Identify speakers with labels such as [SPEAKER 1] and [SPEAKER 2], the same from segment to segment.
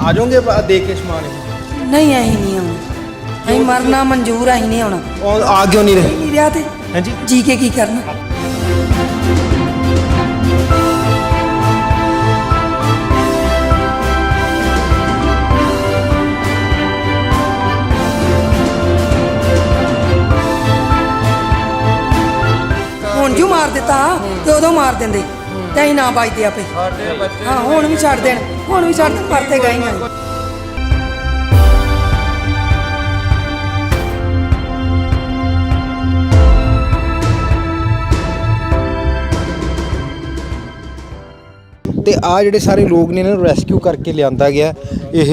[SPEAKER 1] ਆ ਜਾਓਗੇ ਦੇ ਕੇ ਸਮਾਨ?
[SPEAKER 2] ਨਹੀਂ ਅਸੀਂ ਨਹੀਂ ਆਉਣਾ, ਅਸੀਂ ਮਰਨਾ ਮਨਜ਼ੂਰ, ਅਸੀਂ ਨਹੀਂ ਆਉਣਾ।
[SPEAKER 1] ਆ ਕਿਉਂ ਨਹੀਂ ਰਹੇ?
[SPEAKER 2] ਨਹੀਂ ਰਿਹਾ ਤੇ
[SPEAKER 1] ਹਾਂਜੀ
[SPEAKER 2] ਜੀ ਕੇ ਕੀ ਕਰਨਾ। ਹੁਣ ਜੋ ਮਾਰ ਦਿੱਤਾ ਤੇ ਉਦੋਂ ਮਾਰ ਦਿੰਦੇ ਤੇ ਅਸੀਂ ਨਾ ਬਚਦੇ ਆਪੇ। ਹਾਂ ਹੁਣ ਵੀ ਛੱਡ ਦੇਣ, ਹੁਣ ਵੀ ਛੱਡ ਦੇਣ, ਪਰਤੇ ਗਏ ਹਾਂ।
[SPEAKER 1] ਤੇ ਆ ਜਿਹੜੇ ਸਾਰੇ ਲੋਕ ਨੇ ਇਹਨਾਂ ਨੂੰ ਰੈਸਕਿਊ ਕਰਕੇ ਲਿਆਂਦਾ ਗਿਆ। ਇਹ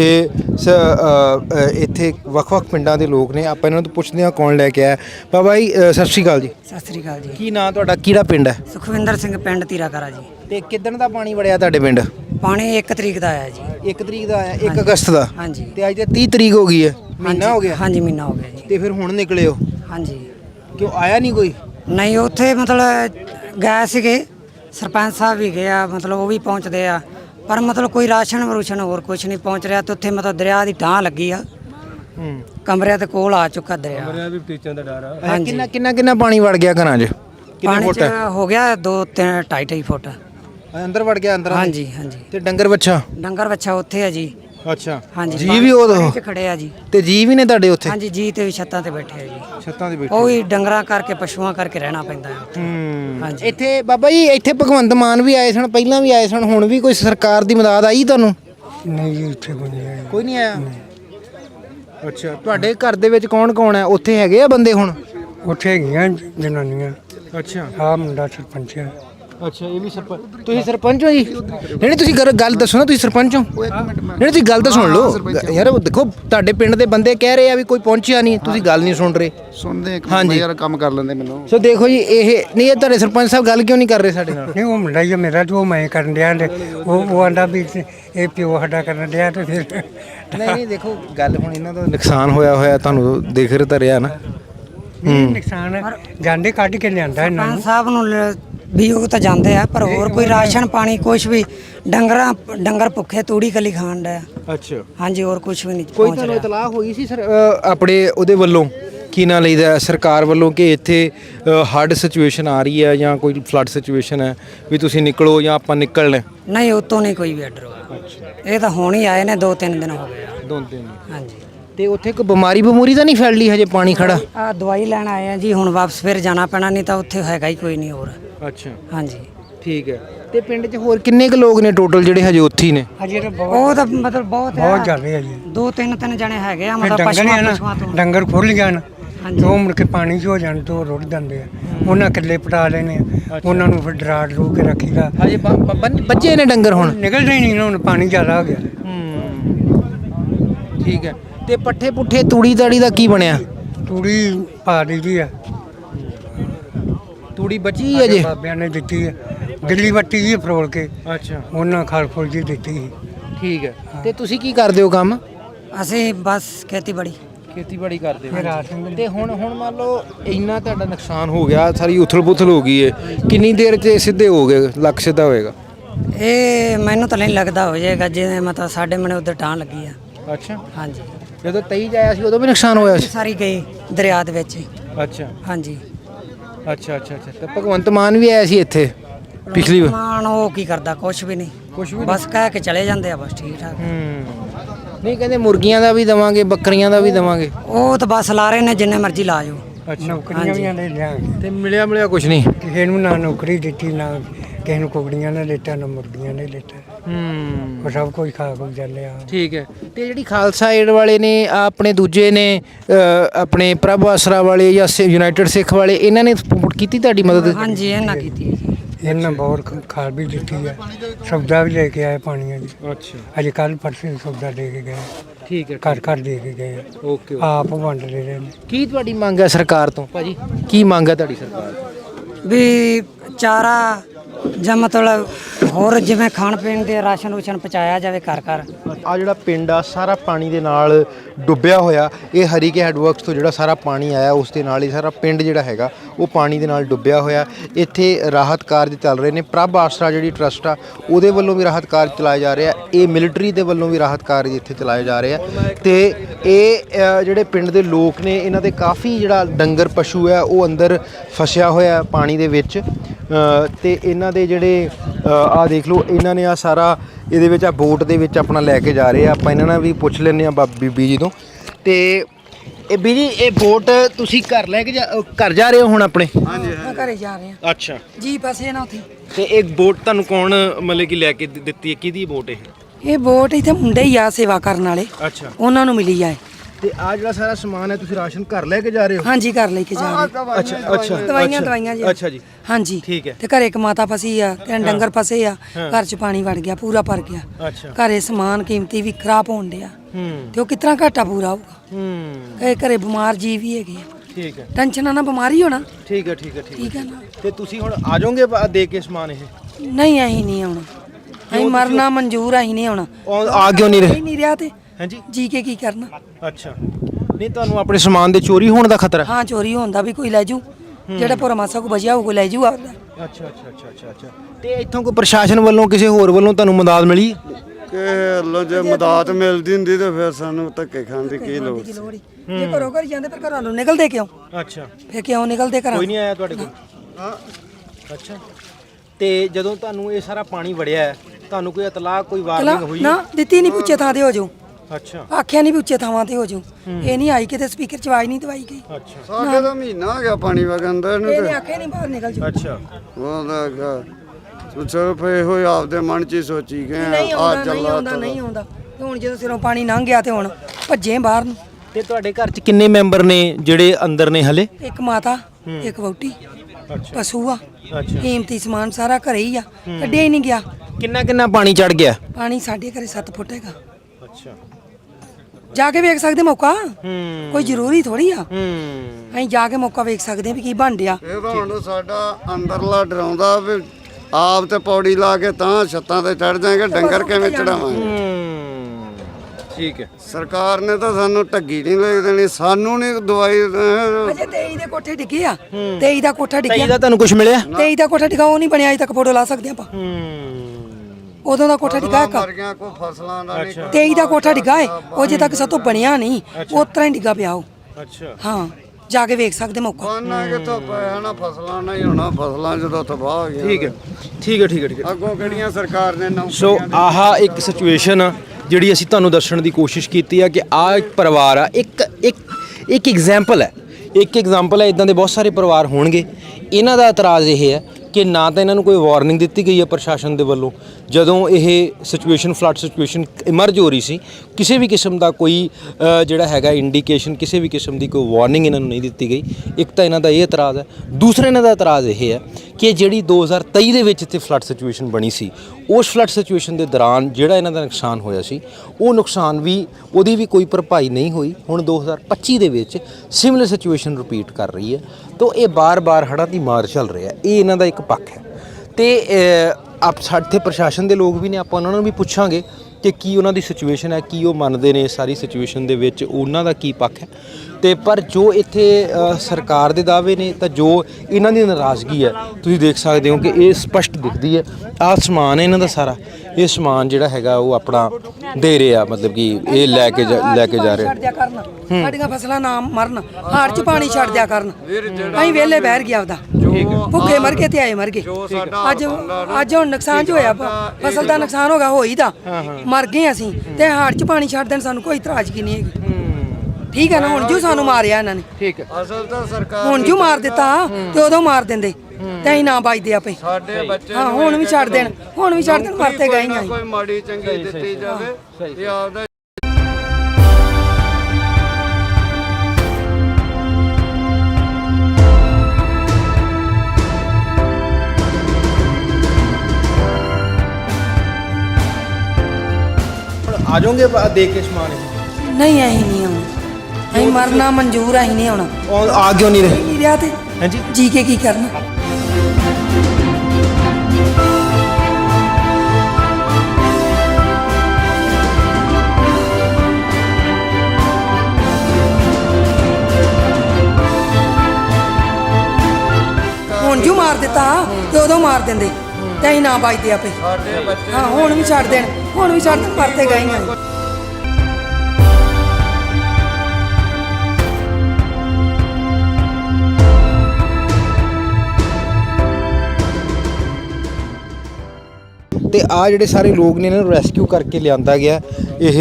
[SPEAKER 1] ਇੱਥੇ ਵੱਖ-ਵੱਖ ਪਿੰਡਾਂ ਦੇ ਲੋਕ ਨੇ। ਆਪਾਂ ਇਹਨਾਂ ਤੋਂ ਪੁੱਛਦੇ ਹਾਂ ਕੌਣ ਲੈ ਕੇ ਆਇਆ। ਬਾਬਾ ਜੀ ਸਤਿ ਸ਼੍ਰੀ ਅਕਾਲ ਜੀ।
[SPEAKER 2] ਸਤਿ ਸ੍ਰੀ ਅਕਾਲ ਜੀ।
[SPEAKER 1] ਕੀ ਨਾਂ ਤੁਹਾਡਾ, ਕਿਹੜਾ ਪਿੰਡ ਹੈ?
[SPEAKER 2] ਸੁਖਵਿੰਦਰ ਸਿੰਘ, ਪਿੰਡ ਤੀਰਾਕਰਾ ਜੀ।
[SPEAKER 1] ਤੇ ਕਿੱਦਣ ਦਾ ਪਾਣੀ ਵੜਿਆ ਤੁਹਾਡੇ ਪਿੰਡ?
[SPEAKER 2] ਪਾਣੀ 1 ਤਰੀਕ ਦਾ ਆਇਆ ਜੀ।
[SPEAKER 1] 1 ਤਰੀਕ ਦਾ ਆਇਆ, 1 ਅਗਸਤ ਦਾ।
[SPEAKER 2] ਹਾਂਜੀ।
[SPEAKER 1] ਤੇ ਅੱਜ ਤੇ 30 ਤਰੀਕ ਹੋ ਗਈ ਹੈ, ਮਹੀਨਾ ਹੋ ਗਿਆ।
[SPEAKER 2] ਹਾਂਜੀ ਮਹੀਨਾ ਹੋ ਗਿਆ ਜੀ।
[SPEAKER 1] ਤੇ ਫਿਰ ਹੁਣ ਨਿਕਲੇ ਹੋ?
[SPEAKER 2] ਹਾਂਜੀ।
[SPEAKER 1] ਕਿਉਂ ਆਇਆ ਨਹੀਂ ਕੋਈ?
[SPEAKER 2] ਨਹੀਂ ਉੱਥੇ ਮਤਲਬ ਗਏ ਸੀਗੇ, ਸਰਪੰਚ ਸਾਹਿਬ ਵੀ ਗਏ ਆ, ਮਤਲਬ ਉਹ ਵੀ ਪਹੁੰਚਦੇ ਆ, ਪਰ ਮਤਲਬ ਕੋਈ ਰਾਸ਼ਨ ਵਰੂਸ਼ਨ ਹੋਰ ਕੁਝ ਨਹੀਂ ਪਹੁੰਚ ਰਿਹਾ। ਤੇ ਉੱਥੇ ਮਤਲਬ ਦਰਿਆ ਦੀ ਢਾਹ ਲੱਗੀ ਆ, ਕਮਰਿਆਂ ਦੇ ਕੋਲ ਆ ਚੁੱਕਾ ਦਰਿਆ।
[SPEAKER 3] ਕਮਰਿਆਂ ਵੀ ਟੀਚਾਂ ਦਾ ਡਰ ਆ।
[SPEAKER 1] ਕਿੰਨਾ ਪਾਣੀ ਵੜ ਗਿਆ ਘਰਾਂ 'ਚ? ਕਿੰਨੇ
[SPEAKER 2] ਪਾਣੀ
[SPEAKER 1] ਫੁੱਟ
[SPEAKER 2] ਚ ਹੋ ਗਿਆ 2-3 2.5 ਫੁੱਟ।
[SPEAKER 1] ਅੰਦਰ ਵੜ ਗਿਆ ਅੰਦਰ?
[SPEAKER 2] ਹਾਂਜੀ ਹਾਂਜੀ।
[SPEAKER 1] ਤੇ ਡੰਗਰ ਬੱਚਾ?
[SPEAKER 2] ਡੰਗਰ ਬੱਚਾ ਉੱਥੇ ਆ ਜੀ।
[SPEAKER 1] ਅੱਛਾ।
[SPEAKER 2] ਹਾਂਜੀ।
[SPEAKER 1] ਜੀ ਵੀ ਉਹ
[SPEAKER 2] ਪਾਣੀ 'ਚ ਖੜੇ ਆ ਜੀ।
[SPEAKER 1] ਤੇ ਜੀ ਵੀ ਨੇ ਤੁਹਾਡੇ ਉੱਥੇ?
[SPEAKER 2] ਹਾਂਜੀ ਜੀ, ਤੇ ਵੀ ਛੱਤਾਂ ਤੇ ਬੈਠੇ ਆ ਜੀ।
[SPEAKER 1] ਛੱਤਾਂ ਤੇ ਬੈਠੇ?
[SPEAKER 2] ਉਹ ਵੀ ਡੰਗਰਾਂ ਕਰਕੇ, ਪਸ਼ੂਆਂ ਕਰਕੇ ਰਹਿਣਾ ਪੈਂਦਾ ਹੈ ਉੱਥੇ। ਹਾਂਜੀ।
[SPEAKER 1] ਇੱਥੇ ਬਾਬਾ ਜੀ ਇੱਥੇ ਭਗਵੰਤ ਮਾਨ ਵੀ ਆਏ ਸਨ, ਪਹਿਲਾਂ ਵੀ ਆਏ ਸਨ, ਹੁਣ ਵੀ ਕੋਈ ਸਰਕਾਰ ਦੀ ਮਦਦ ਆਈ ਤੁਹਾਨੂੰ?
[SPEAKER 3] ਨਹੀਂ ਜੀ ਇੱਥੇ ਕੋਈ ਨਹੀਂ ਆਇਆ।
[SPEAKER 1] ਕੋਈ ਨਹੀਂ ਆਇਆ? ਅੱਛਾ। ਤੁਹਾਡੇ ਘਰ ਦੇ ਵਿੱਚ ਕੌਣ ਕੌਣ ਹੈ? ਉੱਥੇ ਹੈਗੇ ਆ ਬੰਦੇ ਹੁਣ?
[SPEAKER 3] ਉੱਥੇ ਹੈਗੀਆਂ ਜਨਾਨੀਆਂ।
[SPEAKER 1] ਅੱਛਾ।
[SPEAKER 3] ਆ ਮੁੰਡਾ ਸਰਪੰਚ ਹੈ।
[SPEAKER 1] ਅੱਛਾ। ਇਹ ਵੀ ਸਰਪੰਚ? ਤੁਸੀਂ ਸਰਪੰਚ ਹੋ ਜੀ? ਨਹੀਂ ਤੁਸੀਂ ਗੱਲ ਦੱਸੋ ਨਾ, ਤੁਸੀਂ ਸਰਪੰਚ ਹੋ? ਨਹੀਂ ਤੁਸੀਂ ਗੱਲ ਤਾਂ ਸੁਣ ਲਓ ਯਾਰ। ਦੇਖੋ ਤੁਹਾਡੇ ਪਿੰਡ ਦੇ ਬੰਦੇ ਕਹਿ ਰਹੇ ਆ ਵੀ ਕੋਈ ਪਹੁੰਚਿਆ ਨਹੀਂ, ਤੁਸੀਂ ਗੱਲ ਨਹੀਂ ਸੁਣ ਰਹੇ।
[SPEAKER 4] ਸੁਣਦੇ ਇੱਕ ਮਿੰਟ ਯਾਰ, ਕੰਮ ਕਰ ਲੈਂਦੇ ਮੈਨੂੰ।
[SPEAKER 1] ਸੋ ਦੇਖੋ ਜੀ, ਇਹ ਨਹੀਂ, ਇਹ ਤੁਹਾਡੇ ਸਰਪੰਚ ਸਾਹਿਬ ਗੱਲ ਕਿਉਂ ਨਹੀਂ ਕਰ ਰਹੇ ਸਾਡੇ ਨਾਲ?
[SPEAKER 3] ਨਹੀਂ ਉਹ ਮੁੰਡਾ ਹੀ ਆ ਮੇਰਾ, ਜੋ ਮੈਂ ਕਰਨ ਡਿਆ ਤੇ ਉਹ ਆਂਦਾ ਵੀ ਇਹ ਪਿਓ ਸਾਡਾ ਕਰਨ ਡਿਆ ਤੇ ਫਿਰ
[SPEAKER 1] ਨਹੀਂ ਦੇਖੋ ਗੱਲ ਹੁਣ ਇਹਨਾਂ ਦਾ ਨੁਕਸਾਨ ਹੋਇਆ ਤੁਹਾਨੂੰ ਦੇਖ ਰਿਹਾ ਤਾਂ ਰਿਹਾ ਨਾ।
[SPEAKER 3] ਨੁਕਸਾਨ ਜਾਂਦੇ ਕੱਢ ਕੇ ਲਿਆਂਦਾ ਇਹਨਾਂ ਨੂੰ।
[SPEAKER 2] ਸਰਪੰਚ ਸਾਹਿਬ ਨੂੰ ਵੀ ਉਹ ਤਾਂ ਜਾਂਦੇ ਆ, ਪਰ ਹੋਰ ਕੋਈ ਰਾਸ਼ਨ ਪਾਣੀ ਕੁਝ ਵੀ, ਡੰਗਰ ਭੁੱਖੇ ਤੂੜੀ ਕੱਲੀ ਖਾਣ ਦਾ।
[SPEAKER 1] ਅੱਛਾ।
[SPEAKER 2] ਹਾਂਜੀ, ਹੋਰ ਕੁਝ ਵੀ ਨਹੀਂ
[SPEAKER 1] ਕੋਈ
[SPEAKER 2] ਪਹੁੰਚ
[SPEAKER 1] ਤੁਹਾਨੂੰ
[SPEAKER 2] ਰਿਹਾ।
[SPEAKER 1] ਇਤਲਾਹ ਹੋਈ ਸੀ ਸਰ ਆਪਣੇ ਉਹਦੇ ਵੱਲੋਂ, ਕੀ ਨਾਂ ਲਈਦਾ ਸਰਕਾਰ ਵੱਲੋਂ, ਕਿ ਇੱਥੇ ਹੜ੍ਹ ਸਿਚੁਏਸ਼ਨ ਆ ਰਹੀ ਹੈ ਜਾਂ ਕੋਈ ਫਲੱਡ ਸਿਚੁਏਸ਼ਨ ਹੈ ਵੀ ਤੁਸੀਂ ਨਿਕਲੋ ਜਾਂ ਆਪਾਂ ਨਿਕਲਣਾ?
[SPEAKER 2] ਨਹੀਂ ਉਤੋਂ ਨਹੀਂ ਕੋਈ ਵੀ ਆਰਡਰ ਹੋਇਆ। ਇਹ ਤਾਂ ਹੁਣ ਹੀ ਆਏ ਨੇ, 2-3 ਦਿਨ ਹੋ ਗਏ ਆ।
[SPEAKER 1] 2 ਦਿਨ?
[SPEAKER 2] ਹਾਂਜੀ।
[SPEAKER 1] ਤੇ ਉੱਥੇ ਕੋਈ ਬਿਮਾਰੀ ਤਾਂ ਨਹੀਂ ਫੈਲ ਲਈ ਹਜੇ ਪਾਣੀ ਖੜਾ?
[SPEAKER 2] ਆ ਦਵਾਈ ਲੈਣ ਆਏ ਆ ਜੀ, ਹੁਣ ਵਾਪਸ ਫਿਰ ਜਾਣਾ ਪੈਣਾ, ਨਹੀਂ ਤਾਂ ਉੱਥੇ ਹੈਗਾ ਹੀ ਕੋਈ ਨਹੀਂ ਹੋਰ।
[SPEAKER 1] ਅੱਛਾ।
[SPEAKER 2] ਹਾਂਜੀ।
[SPEAKER 1] ਠੀਕ ਹੈ। ਤੇ ਪਿੰਡ 'ਚ ਹੋਰ ਕਿੰਨੇ ਕੁ ਲੋਕ ਨੇ ਟੋਟਲ ਜਿਹੜੇ ਹਜੇ ਉੱਥੇ ਹੀ ਨੇ?
[SPEAKER 3] ਅਜੇ ਤਾਂ
[SPEAKER 2] ਉਹ ਤਾਂ ਮਤਲਬ ਬਹੁਤ
[SPEAKER 3] ਜ਼ਿਆਦਾ ਆ ਜੀ।
[SPEAKER 2] 2-3 ਜਣੇ ਹੈਗੇ ਆ,
[SPEAKER 3] ਫਿਰ
[SPEAKER 2] ਮਤਲਬ
[SPEAKER 3] ਡੰਗਰ
[SPEAKER 2] ਪਸ਼ੂਆਂ ਤੋਂ।
[SPEAKER 3] ਡੰਗਰ ਖੁੱਲ ਜਾਣ
[SPEAKER 2] ਹਾਂਜੀ।
[SPEAKER 3] ਤੇ ਉਹ ਮੁੜ ਕੇ ਪਾਣੀ 'ਚ ਹੋ ਜਾਣ ਤੇ ਉਹ ਰੁੜ ਜਾਂਦੇ ਆ। ਉਹਨਾਂ ਕਿੱਲੇ ਪਟਾ ਲੈਣੇ ਆ, ਉਹਨਾਂ ਨੂੰ ਫਿਰ ਡਰਾ ਡਰੂ ਕੇ ਰੱਖੀਦਾ।
[SPEAKER 1] ਹਜੇ ਬੱਜੇ ਨੇ ਡੰਗਰ ਹੁਣ?
[SPEAKER 3] ਨਿਕਲਦੇ ਹੀ ਨਹੀਂ ਨਾ, ਹੁਣ ਪਾਣੀ ਜ਼ਿਆਦਾ ਹੋ ਗਿਆ।
[SPEAKER 1] ਠੀਕ ਹੈ। ਤੇ ਪੱਠੇ ਪੁੱਠੇ ਤੂੜੀ ਤਾੜੀ ਦਾ ਕੀ ਬਣਿਆ?
[SPEAKER 3] ਤੂੜੀ ਪਾ ਦਿੱਤੀ ਆ,
[SPEAKER 1] ਤੂੜੀ ਬਚੀ ਹੈ ਜੇ?
[SPEAKER 3] ਬਾਬਿਆਂ ਨੇ ਦਿੱਤੀ ਹੈ, ਗਿੱਲੀ ਵੱਟੀ ਜੀ ਫਰੋਲ ਕੇ।
[SPEAKER 1] ਅੱਛਾ।
[SPEAKER 3] ਉਹਨਾਂ ਖਲ ਫੁੱਲ ਜੀ ਦਿੱਤੀ ਸੀ।
[SPEAKER 1] ਠੀਕ ਹੈ। ਤੇ ਤੁਸੀਂ ਕੀ ਕਰਦੇ ਹੋ ਕੰਮ?
[SPEAKER 2] ਅਸੀਂ ਬਸ ਖੇਤੀਬਾੜੀ
[SPEAKER 1] ਖੇਤੀਬਾੜੀ ਕਰਦੇ ਹੋ?
[SPEAKER 3] ਰਾਸ਼ਨ
[SPEAKER 1] ਤੇ ਹੁਣ ਮੰਨ ਲਓ ਇੰਨਾ ਤੁਹਾਡਾ ਨੁਕਸਾਨ ਹੋ ਗਿਆ, ਸਾਰੀ ਉਥਲ ਪੁਥਲ ਹੋ ਗਈ ਹੈ, ਕਿੰਨੀ ਦੇਰ 'ਚ ਸਿੱਧੇ ਹੋ ਗਏ, ਲੱਖ ਸਿੱਧਾ ਹੋਏਗਾ?
[SPEAKER 2] ਇਹ ਮੈਨੂੰ ਤਾਂ ਨਹੀਂ ਲੱਗਦਾ ਹੋ ਜਾਏਗਾ, ਜਿਵੇਂ ਮਤਲਬ ਸਾਡੇ ਮਨੇ ਉਧਰ ਟਾਂ ਲੱਗੀ ਆ।
[SPEAKER 1] ਅੱਛਾ।
[SPEAKER 2] ਹਾਂਜੀ।
[SPEAKER 1] ਜਦੋਂ 23 ਜਾਇਆ ਸੀ ਉਦੋਂ ਵੀ ਨੁਕਸਾਨ ਹੋਇਆ ਸੀ?
[SPEAKER 2] ਸਾਰੀ ਗਈ ਦਰਿਆ ਦੇ ਵਿੱਚ।
[SPEAKER 1] ਅੱਛਾ
[SPEAKER 2] ਹਾਂਜੀ।
[SPEAKER 1] ਅੱਛਾ। ਤੇ ਭਗਵੰਤ ਮਾਨ ਵੀ ਆਇਆ ਸੀ ਇੱਥੇ ਪਿਛਲੀ ਵਾਰ?
[SPEAKER 2] ਮਾਨ ਉਹ ਕੀ ਕਰਦਾ? ਕੁਝ ਵੀ ਨਹੀਂ,
[SPEAKER 1] ਕੁਛ ਵੀ
[SPEAKER 2] ਬਸ ਕਹਿ ਕੇ ਚਲੇ ਜਾਂਦੇ ਆ, ਬਸ ਠੀਕ ਠਾਕ।
[SPEAKER 1] ਨਹੀਂ ਕਹਿੰਦੇ ਮੁਰਗੀਆਂ ਦਾ ਵੀ ਦੇਵਾਂਗੇ, ਬੱਕਰੀਆਂ ਦਾ ਵੀ ਦੇਵਾਂਗੇ।
[SPEAKER 2] ਉਹ ਤਾਂ ਬਸ ਲਾ ਰਹੇ ਨੇ, ਜਿੰਨੇ ਮਰਜ਼ੀ ਲਾ ਜਾਓ।
[SPEAKER 1] ਅੱਛਾ।
[SPEAKER 3] ਨੌਕਰੀਆਂ ਵੀ ਆਂਦੇ ਲਿਆਂਗੇ
[SPEAKER 1] ਤੇ ਮਿਲਿਆ ਕੁਝ ਨਹੀਂ
[SPEAKER 3] ਕਿਸੇ ਨੂੰ, ਨਾ ਨੌਕਰੀ ਦਿੱਤੀ, ਨਾ ਕਿਸੇ ਨੂੰ ਕੁਕੜੀਆਂ ਨੇ ਦਿੱਤਾ, ਨਾ ਮੁਰਗੀਆਂ ਨੇ ਦਿੱਤਾ। ਉਹ ਸਭ ਕੁਝ ਖਾ ਖੂ ਜਾਂਦੇ ਆ।
[SPEAKER 1] ਠੀਕ ਹੈ। ਤੇ ਜਿਹੜੀ ਖਾਲਸਾ ਏਡ ਵਾਲੇ ਨੇ, ਆਪਣੇ ਦੂਜੇ ਨੇ ਆਪਣੇ ਪ੍ਰਭ ਆਸਰਾ ਵਾਲੇ ਜਾਂ ਯੂਨਾਈਟਿਡ ਸਿੱਖ ਵਾਲੇ, ਇਹਨਾਂ ਨੇ ਕੀਤੀ ਤੁਹਾਡੀ ਮਦਦ?
[SPEAKER 2] ਹਾਂਜੀ, ਇਹਨਾਂ ਕੀਤੀ ਹੈ ਜੀ।
[SPEAKER 3] ਇਹਨਾਂ ਬਹੁਤ ਖਾਲ ਵੀ ਦਿੱਤੀ ਹੈ, ਸਬਜ਼ਾ ਵੀ ਲੈ ਕੇ ਆਏ ਪਾਣੀਆਂ ਦੀ।
[SPEAKER 1] ਅੱਛਾ।
[SPEAKER 3] ਅੱਜ ਕੱਲ ਪਰਸੇ ਸਬਜ਼ਾ ਦੇ ਕੇ ਗਏ,
[SPEAKER 1] ਠੀਕ ਹੈ।
[SPEAKER 3] ਘਰ ਦੇ ਕੇ ਗਏ,
[SPEAKER 1] ਓਕੇ।
[SPEAKER 3] ਆਪ ਵੰਡ ਰਹੇ ਨੇ।
[SPEAKER 1] ਕੀ ਤੁਹਾਡੀ ਮੰਗ ਹੈ ਸਰਕਾਰ ਤੋਂ ਭਾਜੀ? ਕੀ ਮੰਗ ਹੈ ਤੁਹਾਡੀ ਸਰਕਾਰ ਤੋਂ?
[SPEAKER 2] ਵੀ ਚਾਰਾ ਜਾਂ ਮਤਲਬ ਹੋਰ ਜਿਵੇਂ ਖਾਣ ਪੀਣ ਦੇ ਰਾਸ਼ਨ ਰੂਸ਼ਨ ਪਹੁੰਚਾਇਆ ਜਾਵੇ ਘਰ ਘਰ।
[SPEAKER 1] ਆ ਜਿਹੜਾ ਪਿੰਡ ਆ ਸਾਰਾ ਪਾਣੀ ਦੇ ਨਾਲ ਡੁੱਬਿਆ ਹੋਇਆ। ਇਹ ਹਰੀਕੇ ਹੈਡਵਰਕਸ ਤੋਂ ਜਿਹੜਾ ਸਾਰਾ ਪਾਣੀ ਆਇਆ ਉਸ ਦੇ ਨਾਲ ਹੀ ਸਾਰਾ ਪਿੰਡ ਜਿਹੜਾ ਹੈਗਾ ਉਹ ਪਾਣੀ ਦੇ ਨਾਲ ਡੁੱਬਿਆ ਹੋਇਆ। ਇੱਥੇ ਰਾਹਤ ਕਾਰਜ ਚੱਲ ਰਹੇ ਨੇ। ਪ੍ਰਭ ਆਸਰਾ ਜਿਹੜੀ ਟਰਸਟ ਆ ਉਹਦੇ ਵੱਲੋਂ ਵੀ ਰਾਹਤ ਕਾਰਜ ਚਲਾਏ ਜਾ ਰਹੇ ਆ। ਇਹ ਮਿਲਟਰੀ ਦੇ ਵੱਲੋਂ ਵੀ ਰਾਹਤ ਕਾਰਜ ਇੱਥੇ ਚਲਾਏ ਜਾ ਰਹੇ ਆ। ਤੇ ਇਹ ਜਿਹੜੇ ਪਿੰਡ ਦੇ ਲੋਕ ਨੇ ਇਹਨਾਂ ਦੇ ਕਾਫੀ ਜਿਹੜਾ ਡੰਗਰ ਪਸ਼ੂ ਹੈ ਉਹ ਅੰਦਰ ਫਸਿਆ ਹੋਇਆ ਪਾਣੀ ਦੇ ਵਿੱਚ। ਤੇ ਇਹਨਾਂ ਦੇ ਜਿਹੜੇ ਆਹ ਦੇਖ ਲਓ, ਇਹਨਾਂ ਨੇ ਆ ਸਾਰਾ ਇਹਦੇ ਵਿੱਚ ਆ ਬੋਟ ਦੇ ਵਿੱਚ ਆਪਣਾ ਲੈ ਕੇ ਜਾ ਰਹੇ ਆ। ਆਪਾਂ ਇਹਨਾਂ ਨਾਲ ਵੀ ਪੁੱਛ ਲੈਂਦੇ ਆ ਬੀਬੀ ਜੀ ਤੋਂ। ਤੇ ਇਹ ਬੀਜੀ ਇਹ ਬੋਟ ਤੁਸੀਂ ਘਰ ਲੈ ਕੇ ਘਰ ਜਾ ਰਹੇ ਹੋ ਹੁਣ ਆਪਣੇ?
[SPEAKER 2] ਹਾਂਜੀ ਮੈਂ ਘਰੇ ਜਾ ਰਹੇ ਆ।
[SPEAKER 1] ਅੱਛਾ
[SPEAKER 2] ਜੀ ਪਾਸੇ ਨਾ ਉੱਥੇ।
[SPEAKER 1] ਤੇ ਇਹ ਬੋਟ ਤੁਹਾਨੂੰ ਕੌਣ ਮਤਲਬ ਕਿ ਲੈ ਕੇ ਦਿੱਤੀ ਹੈ? ਕਿਹਦੀ ਬੋਟ
[SPEAKER 2] ਇਹ ਬੋਟ ਇੱਥੇ ਮੁੰਡੇ ਹੀ ਆ ਸੇਵਾ ਕਰਨ ਵਾਲੇ,
[SPEAKER 1] ਅੱਛਾ
[SPEAKER 2] ਉਹਨਾਂ ਨੂੰ ਮਿਲੀ ਆ।
[SPEAKER 1] ਤੇ ਆ ਜਿਹੜਾ ਸਾਰਾ ਸਮਾਨ ਹੈ ਤੁਸੀਂ ਰਾਸ਼ਨ ਘਰ ਲੈ ਕੇ ਜਾ ਰਹੇ ਹੋ?
[SPEAKER 2] ਹਾਂਜੀ ਘਰ ਲੈ ਕੇ ਜਾ ਰਹੇ।
[SPEAKER 1] ਅੱਛਾ ਅੱਛਾ
[SPEAKER 2] ਦਵਾਈਆਂ ਜੀ।
[SPEAKER 1] ਅੱਛਾ ਜੀ
[SPEAKER 2] ਹਾਂਜੀ
[SPEAKER 1] ਠੀਕ ਹੈ।
[SPEAKER 2] ਤੇ ਘਰੇ ਇੱਕ ਮਾਤਾ ਫਸੀ ਆ, ਤਿੰਨ ਡੰਗਰ ਫਸੇ ਆ, ਘਰ 'ਚ ਪਾਣੀ ਵੜ ਗਿਆ, ਪੂਰਾ ਭਰ ਗਿਆ।
[SPEAKER 1] ਅੱਛਾ
[SPEAKER 2] ਘਰੇ ਸਮਾਨ ਕੀਮਤੀ ਵੀ ਖਰਾਬ ਹੋਣ ਡਿਆ ਤੇ ਉਹ ਕਿਤਨਾ ਘਾਟਾ ਪੂਰਾ ਹੋਊਗਾ। ਕਈ ਘਰੇ ਬਿਮਾਰ ਜੀ ਵੀ ਹੈਗੇ ਆ।
[SPEAKER 1] ਠੀਕ ਹੈ।
[SPEAKER 2] ਟੈਨਸ਼ਨ ਨਾਲ ਬਿਮਾਰੀ ਹੋਣਾ।
[SPEAKER 1] ਠੀਕ ਹੈ ਠੀਕ ਹੈ ਠੀਕ
[SPEAKER 2] ਠੀਕ ਹੈ ਨਾ।
[SPEAKER 1] ਤੇ ਤੁਸੀਂ ਹੁਣ ਆ ਜਾਓਗੇ ਦੇ ਕੇ ਸਮਾਨ ਇਹ?
[SPEAKER 2] ਨਹੀਂ ਅਸੀਂ ਨਹੀਂ ਆਉਣਾ, ਅਸੀਂ ਮਰਨਾ ਮਨਜ਼ੂਰ, ਅਸੀਂ ਨਹੀਂ ਆਉਣਾ।
[SPEAKER 1] ਆ ਕਿਉਂ ਨਹੀਂ ਰਹੇ?
[SPEAKER 2] ਨਹੀਂ ਰਿਹਾ ਤੇ
[SPEAKER 1] ਹਾਂਜੀ
[SPEAKER 2] ਜੀ ਕੇ ਕੀ ਕਰਨਾ।
[SPEAKER 1] ਅੱਛਾ ਨਹੀਂ ਤੁਹਾਨੂੰ ਆਪਣੇ ਸਮਾਨ ਦੇ ਚੋਰੀ ਹੋਣ ਦਾ ਖਤਰਾ?
[SPEAKER 2] ਹਾਂ ਚੋਰੀ ਹੋਣ ਦਾ ਵੀ ਕੋਈ ਲੈ ਜੂ, ਜਿਹੜਾ ਭੋਰਾ ਮਾਸਾ ਕੋ ਬਚਿਆ ਉਹ ਲੈ ਜੂ ਆਪਦਾ।
[SPEAKER 1] ਅੱਛਾ ਅੱਛਾ ਅੱਛਾ ਅੱਛਾ ਅੱਛਾ। ਤੇ ਇੱਥੋਂ ਕੋਈ ਪ੍ਰਸ਼ਾਸਨ ਵੱਲੋਂ ਕਿਸੇ ਹੋਰ ਵੱਲੋਂ ਤੁਹਾਨੂੰ ਮਦਦ ਮਿਲੀ?
[SPEAKER 5] ਕਿ ਲੋ ਜੇ ਮਦਦ ਮਿਲਦੀ ਹੁੰਦੀ ਤੇ ਫਿਰ ਸਾਨੂੰ ਧੱਕੇ ਖਾਣ ਦੀ ਕੀ ਲੋੜ ਸੀ।
[SPEAKER 2] ਜੇ ਘਰੋਂ ਘਰ ਜਾਂਦੇ ਫਿਰ ਘਰਾਂ ਨੂੰ ਨਿਕਲਦੇ ਕਿਉਂ?
[SPEAKER 1] ਅੱਛਾ
[SPEAKER 2] ਫਿਰ ਕਿਉਂ ਨਿਕਲਦੇ ਘਰਾਂ?
[SPEAKER 1] ਕੋਈ ਨਹੀਂ ਆਇਆ ਤੁਹਾਡੇ ਕੋਲ? ਹਾਂ ਅੱਛਾ। ਤੇ ਜਦੋਂ ਤੁਹਾਨੂੰ ਇਹ ਸਾਰਾ ਪਾਣੀ ਵੜਿਆ ਹੈ, ਤੁਹਾਨੂੰ ਕੋਈ ਇਤਲਾਹ ਕੋਈ ਵਾਰਨਿੰਗ ਹੋਈ?
[SPEAKER 2] ਨਾ ਦਿੱਤੀ ਨਹੀਂ, ਪੁੱਛੇ ਥਾਂ ਤੇ ਹੋ ਜਾਊ।
[SPEAKER 1] ਅੱਛਾ
[SPEAKER 2] ਆਖਿਆ ਨਹੀਂ ਉੱਚੇ ਥਾਵਾਂ ਤੇ ਹੋ ਜਾਊ। ਇਹ ਨਹੀਂ ਆਈ ਕਿਤੇ ਸਪੀਕਰ ਚ ਆਵਾਜ਼ ਨਹੀਂ ਦਵਾਈ ਗਈ।
[SPEAKER 1] ਅੱਛਾ
[SPEAKER 5] ਸਾਡੇ ਤਾਂ ਮਹੀਨਾ ਹੋ ਗਿਆ ਪਾਣੀ ਵਗਣ ਦਾ ਇਹਨੂੰ
[SPEAKER 2] ਇਹਨੇ
[SPEAKER 5] ਤੇ
[SPEAKER 2] ਆਖਿਆ ਨਹੀਂ ਬਾਹਰ ਨਿਕਲ ਜਾਊ।
[SPEAKER 1] ਅੱਛਾ
[SPEAKER 5] ਉਹਦਾ ਸਿਰਫ ਇਹੋ ਹੀ ਆਪਦੇ ਮਨ 'ਚ ਹੀ ਸੋਚੀ ਗਏ
[SPEAKER 2] ਨਹੀਂ
[SPEAKER 5] ਆ
[SPEAKER 2] ਆਉਂਦਾ ਨਹੀਂ ਆਉਂਦਾ ਨਹੀਂ ਆਉਂਦਾ। ਤੇ ਹੁਣ ਜਦੋਂ ਸਿਰੋਂ ਪਾਣੀ ਲੰਘ ਗਿਆ ਤੇ ਹੁਣ ਭੱਜੇ ਬਾਹਰ ਨੂੰ।
[SPEAKER 1] ਤੇ ਤੁਹਾਡੇ ਘਰ 'ਚ ਕਿੰਨੇ ਮੈਂਬਰ ਨੇ ਜਿਹੜੇ ਅੰਦਰ ਨੇ ਹਲੇ?
[SPEAKER 2] ਇੱਕ ਮਾਤਾ, ਇੱਕ ਵਹੁਟੀ,
[SPEAKER 1] ਅੱਛਾ
[SPEAKER 2] ਪਸ਼ੂ ਆ,
[SPEAKER 1] ਅੱਛਾ।
[SPEAKER 2] ਕੀਮਤੀ ਸਮਾਨ ਸਾਰਾ ਘਰੇ ਹੀ ਆ, ਕੱਢਿਆ ਹੀ ਨਹੀਂ ਗਿਆ।
[SPEAKER 1] ਕਿੰਨਾ ਕਿੰਨਾ ਪਾਣੀ ਚੜ ਗਿਆ?
[SPEAKER 2] ਪਾਣੀ ਸਾਡੇ ਘਰੇ 7 ਫੁੱਟ ਹੈਗਾ।
[SPEAKER 1] ਅੱਛਾ
[SPEAKER 2] ਜਾ ਕੇ ਵੇਖ ਸਕਦੇ ਮੌਕਾ,
[SPEAKER 1] ਹੂੰ
[SPEAKER 2] ਕੋਈ ਜ਼ਰੂਰੀ ਥੋੜੀ ਆ।
[SPEAKER 1] ਹੂੰ
[SPEAKER 2] ਅਸੀਂ ਜਾ ਕੇ ਮੌਕਾ ਵੇਖ ਸਕਦੇ ਆ ਵੀ ਕੀ ਬਣ ਡਿਆ।
[SPEAKER 5] ਇਹ ਤਾਂ ਹੁਣ ਸਾਡਾ ਅੰਦਰਲਾ ਡਰਾਉਂਦਾ ਵੀ ਆਪ ਤੇ ਪੌੜੀ ਲਾ ਕੇ ਤਾਂ ਛੱਤਾਂ ਤੇ ਚੜ ਜਾਏਗਾ, ਡੰਗਰ ਕਿਵੇਂ ਚੜਾਵਾਂਗੇ।
[SPEAKER 1] ਠੀਕ ਹੈ।
[SPEAKER 5] ਸਰਕਾਰ ਨੇ ਤਾਂ ਸਾਨੂੰ ਢੱਗੀ ਨਹੀਂ ਲੈ ਦੇਣੀ, ਸਾਨੂੰ ਨਹੀਂ ਦਵਾਈ
[SPEAKER 2] ਅਜੇ 23 ਦੇ ਕੋਠੇ ਡਿੱਗੇ ਆ, 23 ਦਾ ਕੋਠਾ
[SPEAKER 1] ਤਾਂ
[SPEAKER 2] ਡਿੱਗਿਆ।
[SPEAKER 1] ਇਹਦਾ ਤੁਹਾਨੂੰ ਕੁਝ ਮਿਲਿਆ?
[SPEAKER 2] 23 ਦਾ ਕੋਠਾ ਡਿੱਗਾ, ਉਹ ਨਹੀਂ ਬਣਿਆ ਅਜੇ ਤੱਕ, ਫੋਟੋ ਲਾ ਸਕਦੇ ਆਪਾਂ। ਉਦੋਂ ਦਾ ਕੋਠਾ ਡਿੱਗਾ ਇੱਕ,
[SPEAKER 5] ਮਰ ਗਿਆ, ਕੋਈ ਫਸਲਾਂ ਦਾ ਨਹੀਂ
[SPEAKER 2] 23 ਦਾ ਕੋਠਾ ਡਿੱਗਾ ਏ, ਉਹ ਅਜੇ ਤੱਕ ਸਾਤੋਂ ਬਣਿਆ ਨਹੀਂ, ਉਹ ਤਰ੍ਹਾਂ ਹੀ ਡਿੱਗਾ ਪਿਆ ਉਹ।
[SPEAKER 1] ਅੱਛਾ
[SPEAKER 2] ਹਾਂ ਜਾ ਕੇ ਵੇਖ ਸਕਦੇ ਮੌਕਾ।
[SPEAKER 5] ਪਾਣਾ ਕਿੱਥੋਂ ਪਿਆ ਨਾ, ਫਸਲਾਂ ਨਹੀਂ ਹੋਣਾ, ਫਸਲਾਂ ਜਦੋਂ ਤਬਾਹ ਹੋ ਗਈਆਂ।
[SPEAKER 1] ਠੀਕ ਹੈ ਠੀਕ ਹੈ ਠੀਕ ਹੈ ਠੀਕ ਹੈ।
[SPEAKER 5] ਅੱਗੋਂ ਕਿਹੜੀਆਂ ਸਰਕਾਰ ਨੇ
[SPEAKER 1] ਸੋ ਆਹ ਇੱਕ ਸਿਚੁਏਸ਼ਨ ਆ ਜਿਹੜੀ ਅਸੀਂ ਤੁਹਾਨੂੰ ਦੱਸਣ ਦੀ ਕੋਸ਼ਿਸ਼ ਕੀਤੀ ਆ ਕਿ ਆਹ ਇੱਕ ਪਰਿਵਾਰ ਆ, ਇੱਕ ਐਗਜ਼ਾਮਪਲ ਹੈ, ਇਦਾਂ ਦੇ ਬਹੁਤ ਸਾਰੇ ਪਰਿਵਾਰ ਹੋਣਗੇ। ਇਹਨਾਂ ਦਾ ਇਤਰਾਜ਼ ਇਹ ਹੈ ਕਿ ਨਾ ਤਾਂ ਇਹਨਾਂ ਨੂੰ ਕੋਈ ਵਾਰਨਿੰਗ ਦਿੱਤੀ ਗਈ ਹੈ ਪ੍ਰਸ਼ਾਸਨ ਦੇ ਵੱਲੋਂ ਜਦੋਂ ਇਹ ਸਿਚੁਏਸ਼ਨ ਫਲੱਡ ਸਿਚੁਏਸ਼ਨ ਇਮਰਜ ਹੋ ਰਹੀ ਸੀ, ਕਿਸੇ ਵੀ ਕਿਸਮ ਦਾ ਕੋਈ ਜਿਹੜਾ ਹੈਗਾ ਇੰਡੀਕੇਸ਼ਨ, ਕਿਸੇ ਵੀ ਕਿਸਮ ਦੀ ਕੋਈ ਵਾਰਨਿੰਗ ਇਹਨਾਂ ਨੂੰ ਨਹੀਂ ਦਿੱਤੀ ਗਈ। ਇੱਕ ਤਾਂ ਇਹਨਾਂ ਦਾ ਇਹ ਇਤਰਾਜ਼ ਹੈ। ਦੂਸਰਾ ਇਹਨਾਂ ਦਾ ਇਤਰਾਜ਼ ਇਹ ਹੈ ਕਿ ਜਿਹੜੀ 2023 ਦੇ ਵਿੱਚ ਇੱਥੇ ਫਲੱਡ ਸਿਚੁਏਸ਼ਨ ਬਣੀ ਸੀ, ਉਸ ਫਲੱਡ ਸਿਚੁਏਸ਼ਨ ਦੇ ਦੌਰਾਨ ਜਿਹੜਾ ਇਹਨਾਂ ਦਾ ਨੁਕਸਾਨ ਹੋਇਆ ਸੀ, ਉਹ ਨੁਕਸਾਨ ਵੀ ਉਹਦੀ ਵੀ ਕੋਈ ਭਰਪਾਈ ਨਹੀਂ ਹੋਈ। ਹੁਣ 2025 ਦੇ ਵਿੱਚ ਸਿਮਿਲਰ ਸਿਚੁਏਸ਼ਨ ਰਿਪੀਟ ਕਰ ਰਹੀ ਹੈ। ਤਾਂ ਇਹ ਬਾਰ-ਬਾਰ ਹੜ੍ਹਾਂ ਦੀ ਮਾਰ ਚੱਲ ਰਿਹਾ। ਇਹ ਇਹਨਾਂ ਦਾ ਇੱਕ ਪੱਖ ਹੈ। ਤੇ ਆਪ ਸਾਡੇ ਪ੍ਰਸ਼ਾਸਨ ਦੇ ਲੋਕ ਵੀ ਨੇ, ਆਪਾਂ ਉਹਨਾਂ ਨੂੰ ਵੀ ਪੁੱਛਾਂਗੇ ਕਿ ਕੀ ਉਹਨਾਂ ਦੀ ਸਿਚੁਏਸ਼ਨ ਹੈ, ਕੀ ਉਹ ਮੰਨਦੇ ਨੇ ਸਾਰੀ ਸਿਚੁਏਸ਼ਨ ਦੇ ਵਿੱਚ, ਉਹਨਾਂ ਦਾ ਕੀ ਪੱਖ ਹੈ। ਤੇ ਪਰ ਜੋ ਇੱਥੇ ਸਰਕਾਰ ਦੇ ਦਾਅਵੇ ਨੇ, ਤਾਂ ਜੋ ਇਹਨਾਂ ਦੀ ਨਾਰਾਜ਼ਗੀ ਹੈ, ਤੁਸੀਂ ਦੇਖ ਸਕਦੇ ਹੋ ਕਿ ਇਹ ਸਪਸ਼ਟ ਦਿਖਦੀ ਹੈ। ਆਹ ਸਮਾਨ ਹੈ ਇਹਨਾਂ ਦਾ ਸਾਰਾ, ਇਹ ਸਮਾਨ ਜਿਹੜਾ ਹੈਗਾ ਉਹ ਆਪਣਾ ਦੇ ਰਹੇ ਆ, ਮਤਲਬ ਕਿ ਇਹ ਲੈ ਕੇ ਜਾ ਰਹੇ।
[SPEAKER 2] ਛੱਡ ਦਿਆ ਕਰਨ, ਸਾਡੀਆਂ ਫਸਲਾਂ ਨਾ ਮਰਨ, ਹਾੜ 'ਚ ਪਾਣੀ ਛੱਡ ਦਿਆ ਕਰਨ। ਅਸੀਂ ਵਿਹਲੇ ਬਹਿਰ ਗਿਆ ਉਹਦਾ, ਭੁੱਖੇ ਮਰ ਗਏ ਤੇ ਆਏ ਮਰ ਗਏ। ਅੱਜ ਹੁਣ ਨੁਕਸਾਨ ਜੋ ਹੋਇਆ, ਫਸਲ ਦਾ ਨੁਕਸਾਨ ਹੋ ਗਿਆ, ਹੋਈ ਦਾ ਮਰ ਗਏ ਅਸੀਂ, ਤੇ ਹਾੜ 'ਚ ਪਾਣੀ ਛੱਡ ਦੇਣ ਸਾਨੂੰ ਕੋਈ ਇਤਰਾਜ਼ਗੀ ਨਹੀਂ ਹੈਗੀ। ਠੀਕ ਹੈ ਨਾ। ਹੁਣ ਜੋ ਸਾਨੂੰ ਮਾਰਿਆ ਇਹਨਾਂ ਨੇ,
[SPEAKER 1] ਠੀਕ ਹੈ,
[SPEAKER 5] ਅਸਲ ਤਾਂ ਸਰਕਾਰ
[SPEAKER 2] ਹੁਣ ਜੋ ਮਾਰ ਦਿੱਤਾ ਤੇ ਉਦੋਂ ਮਾਰ ਦਿੰਦੇ ਤੇ ਅਸੀਂ ਨਾ ਬਚਦੇ ਆਪੇ।
[SPEAKER 5] ਸਾਡੇ ਬੱਚੇ
[SPEAKER 2] ਹਾਂ ਹੁਣ ਵੀ ਛੱਡ ਦੇਣ, ਮਰਤੇ ਗਏ ਹੀ
[SPEAKER 5] ਕੋਈ ਮਾੜੀ ਚੰਗੀ ਦਿੱਤੀ ਜਾਵੇ ਤੇ ਆਪਦਾ
[SPEAKER 1] ਆ ਜਾਓਗੇ ਦੇ ਕੇ ਸਮਾਨ?
[SPEAKER 2] ਨਹੀਂ ਅਸੀਂ ਨਹੀਂ ਆਉਣਾ, ਅਸੀਂ ਮਰਨਾ ਮਨਜ਼ੂਰ, ਅਸੀਂ ਨਹੀਂ ਆਉਣਾ।
[SPEAKER 1] ਆ ਕਿਉਂ ਨਹੀਂ ਰਹੇ?
[SPEAKER 2] ਨਹੀਂ ਰਿਹਾ ਤੇ
[SPEAKER 1] ਹਾਂਜੀ
[SPEAKER 2] ਜੀ ਕੇ ਕੀ ਕਰਨਾ।
[SPEAKER 6] ਜੂ ਮਾਰ ਦਿੱਤਾ ਤੇ ਉਦੋਂ ਮਾਰ ਦਿੰਦੇ ਤੇ ਅਸੀਂ ਨਾ ਬਚਦੇ ਆਪੇ ਹਾਂ ਹੁਣ ਵੀ ਛੱਡ ਦੇਣ ਪਰਤੇ ਗਏ ਆ
[SPEAKER 1] ਤੇ ਆ ਜਿਹੜੇ ਸਾਰੇ ਲੋਕ ਨੇ ਇਹਨਾਂ ਨੂੰ ਰੈਸਕਿਊ ਕਰਕੇ ਲਿਆਂਦਾ ਗਿਆ। ਇਹ